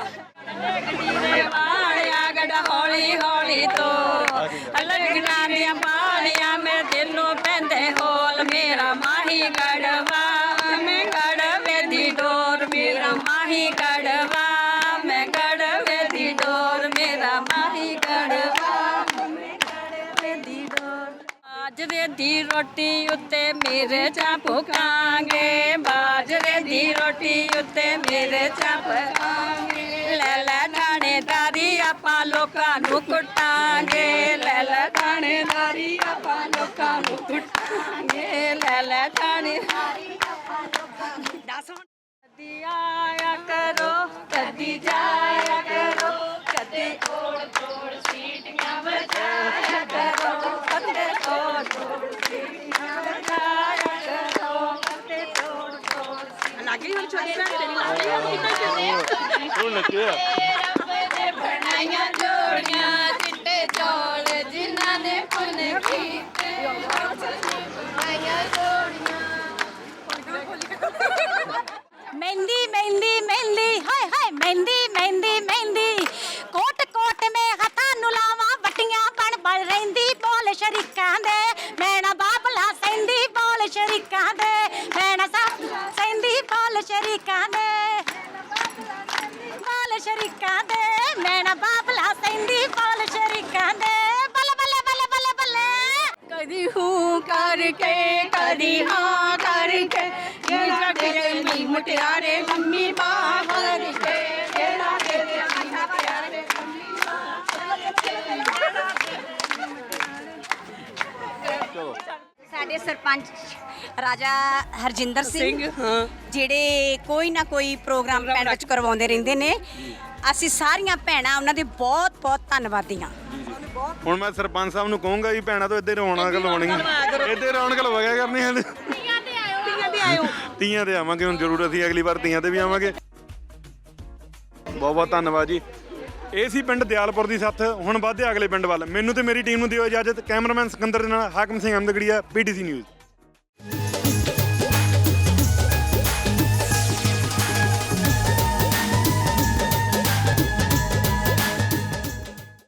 Speaker 6: ਗੱਡੀਰੇ ਵਾਲਿਆ ਗੱਡਾ ਹੌਲੀ ਹੌਲੀ ਤੋਂ ਲੱਗਣਾ ਦੀਆਂ ਪਾਲੀਆਂ ਮੇਰੇ ਦਿਲ ਨੂੰ ਪੈਂਦੇ ਹੋਲ ਮੇਰਾ ਮਾਹੀ ਗੜਵਾ ਮੈਂ ਗੜਵੇ ਦੀ ਡੋਰ ਮੇਰਾ ਮਾਹੀ ਗੜਵਾ ਮੈਂ ਗੜਵੇ ਦੀ ਡੋਰ ਮੇਰਾ ਮਾਹੀ ਗੜਵਾ ਮੈਂ ਗੜਵੇ ਦੀ ਡੋਰ ਬਾਜਰੇ ਦੀ ਰੋਟੀ ਉੱਤੇ ਮੇਰੇ ਚਾ ਭੁਕਾਂਗੇ ਬਾਜਰੇ ਦੀ ਰੋਟੀ ਉੱਤੇ ਮੇਰੇ ਚਾ ਭੁਕਾਂਗੇ ਲੈ ਲੈ ਥਾਣੇਦਾਰੀ ਆਪਾਂ ਲੋਕਾਂ ਨੂੰ ਕੁੱਟਾਂਗੇ ਲੈ ਲੈ ਥਾਣੇਦਾਰੀ ਆਪਾਂ ਲੋਕਾਂ ਨੂੰ ਕੁੱਟਾਂਗੇ ਲੈ ਲੈ ਥਾਣੇਦਾਰੀ ਆਪਾਂ ਲੋਕਾਂ ਨੂੰ ਦੱਸ ਹੁਣ ਕਦੀ ਆਇਆ ਕਰੋ ਕਦੀ ਜਾਇਆ ਕਰੋ ਕਦੇ ਓੜ ਤੋੜ ਸੀਟੀਆਂ ਵਜਾਇਆ ਕਰੋ ਕਦੇ ਤੋੜ ਤੋੜ ਸੀਟੀਆਂ ਵਜਾਇਆ ਕਰੋ ਕਦੇ ਤੋੜ ਤੋੜ
Speaker 12: ਲੱਗੀ ਹੁਣ ਛੋਟੀ ਭੈਣ ਤੇਰੀ ਲੱਗੀ ਹੁਣ
Speaker 1: ਹੁਣ ਨੱਚਿਆ
Speaker 6: ਬਣਾਈਆਂ ਜੋੜੀਆਂ ਚਿੱਟੇ ਚੌਲ ਜਿਨ੍ਹਾਂ ਨੇ ਪੁੰਨ ਕੀਤੇ ਬਣਾਈਆਂ ਜੋੜੀਆਂ
Speaker 13: ਮਹਿੰਦੀ ਮਹਿੰਦੀ ਮਹਿੰਦੀ ਹਾਏ ਹਾਏ ਮਹਿੰਦੀ ਮਹਿੰਦੀ ਮਹਿੰਦੀ ਕੋਟ ਕੋਟ ਮੇ ਹੱਥਾਂ ਨੂੰ ਲਾਵਾਂ ਵੱਟੀਆਂ ਬਣ ਬਣ ਰਹਿੰਦੀ ਬੋਲ ਸ਼ਰੀਕਾਂ ਦੇ ਮੈਂ ਨਾ ਬਾਬਲਾ ਸੈਂਦੀ ਬੋਲ ਸ਼ਰੀਕਾਂ ਦੇ ਮੈਂ ਨਾ ਸੈਂਦੀ ਬੋਲ ਸ਼ਰੀਕਾਂ ਦੇ ਬੋਲ ਸ਼ਰੀਕਾਂ ਦੇ ਮੈਂ ਨਾ ਬਾਬਲਾ ਸੈਂਦੀ ਬੋਲ ਸ਼ਰੀਕਾਂ ਦੇ ਬੱਲੇ ਬੱਲੇ ਬੱਲੇ ਬੱਲੇ ਬੱਲੇ
Speaker 6: ਕਦੀ ਹੂੰ ਕਰਕੇ ਕਦੀ ਹਾਂ ਕਰਕੇ ਜਿਹੜਾ ਤੇਰੇ ਮੀ ਮੁਟਿਆਰੇ ਲੰਮੀ ਬਾਹ ਕਰਕੇ ਜਿਹੜਾ ਤੇਰੇ ਮੀ ਮੁਟਿਆਰੇ ਲੰਮੀ
Speaker 13: ਸਾਡੇ ਸਰਪੰਚ ਰਾਜਾ ਹਰਜਿੰਦਰ ਸਿੰਘ ਜਿਹੜੇ ਕੋਈ ਨਾ ਕੋਈ ਪ੍ਰੋਗਰਾਮ ਪਿੰਡ ਵਿੱਚ ਕਰਵਾਉਂਦੇ ਰਹਿੰਦੇ ਨੇ ਅਸੀਂ ਸਾਰੀਆਂ ਭੈਣਾਂ ਉਹਨਾਂ ਦੇ ਬਹੁਤ ਬਹੁਤ ਧੰਨਵਾਦੀ ਹਾਂ
Speaker 1: ਹੁਣ ਮੈਂ ਸਰਪੰਚ ਸਾਹਿਬ ਨੂੰ ਕਹੂੰਗਾ ਵੀ ਭੈਣਾਂ ਤੋਂ ਇੱਧੇ ਰੌਣਕ ਲਵਾਉਣੀ ਇੱਧੇ ਰੌਣਕ ਲਵਾਇਆ ਕਰਨੀ ਹੈ
Speaker 12: ਤੀਆਂ ਤੇ ਆਇਓ ਤੀਆਂ ਤੇ ਆਇਓ
Speaker 1: ਤੀਆਂ ਤੇ ਆਵਾਂਗੇ ਹੁਣ ਜ਼ਰੂਰ ਅਸੀਂ ਅਗਲੀ ਵਾਰ ਤੀਆਂ ਤੇ ਵੀ ਆਵਾਂਗੇ ਬਹੁਤ ਬਹੁਤ ਧੰਨਵਾਦ ਜੀ ਇਹ ਸੀ ਪਿੰਡ ਦਿਆਲਪੁਰ ਦੀ ਸੱਥ ਹੁਣ ਵੱਧਦੇ ਅਗਲੇ ਪਿੰਡ ਵੱਲ ਮੈਨੂੰ ਤੇ ਮੇਰੀ ਟੀਮ ਨੂੰ ਦਿਓ ਇਜਾਜ਼ਤ ਕੈਮਰਾਮੈਨ ਸਿਕੰਦਰ ਦੇ ਨਾਲ ਹਾਕਮ ਸਿੰਘ ਅਹਿਮਦਗੜੀਆ ਪੀਟੀਸੀ ਨਿਊਜ਼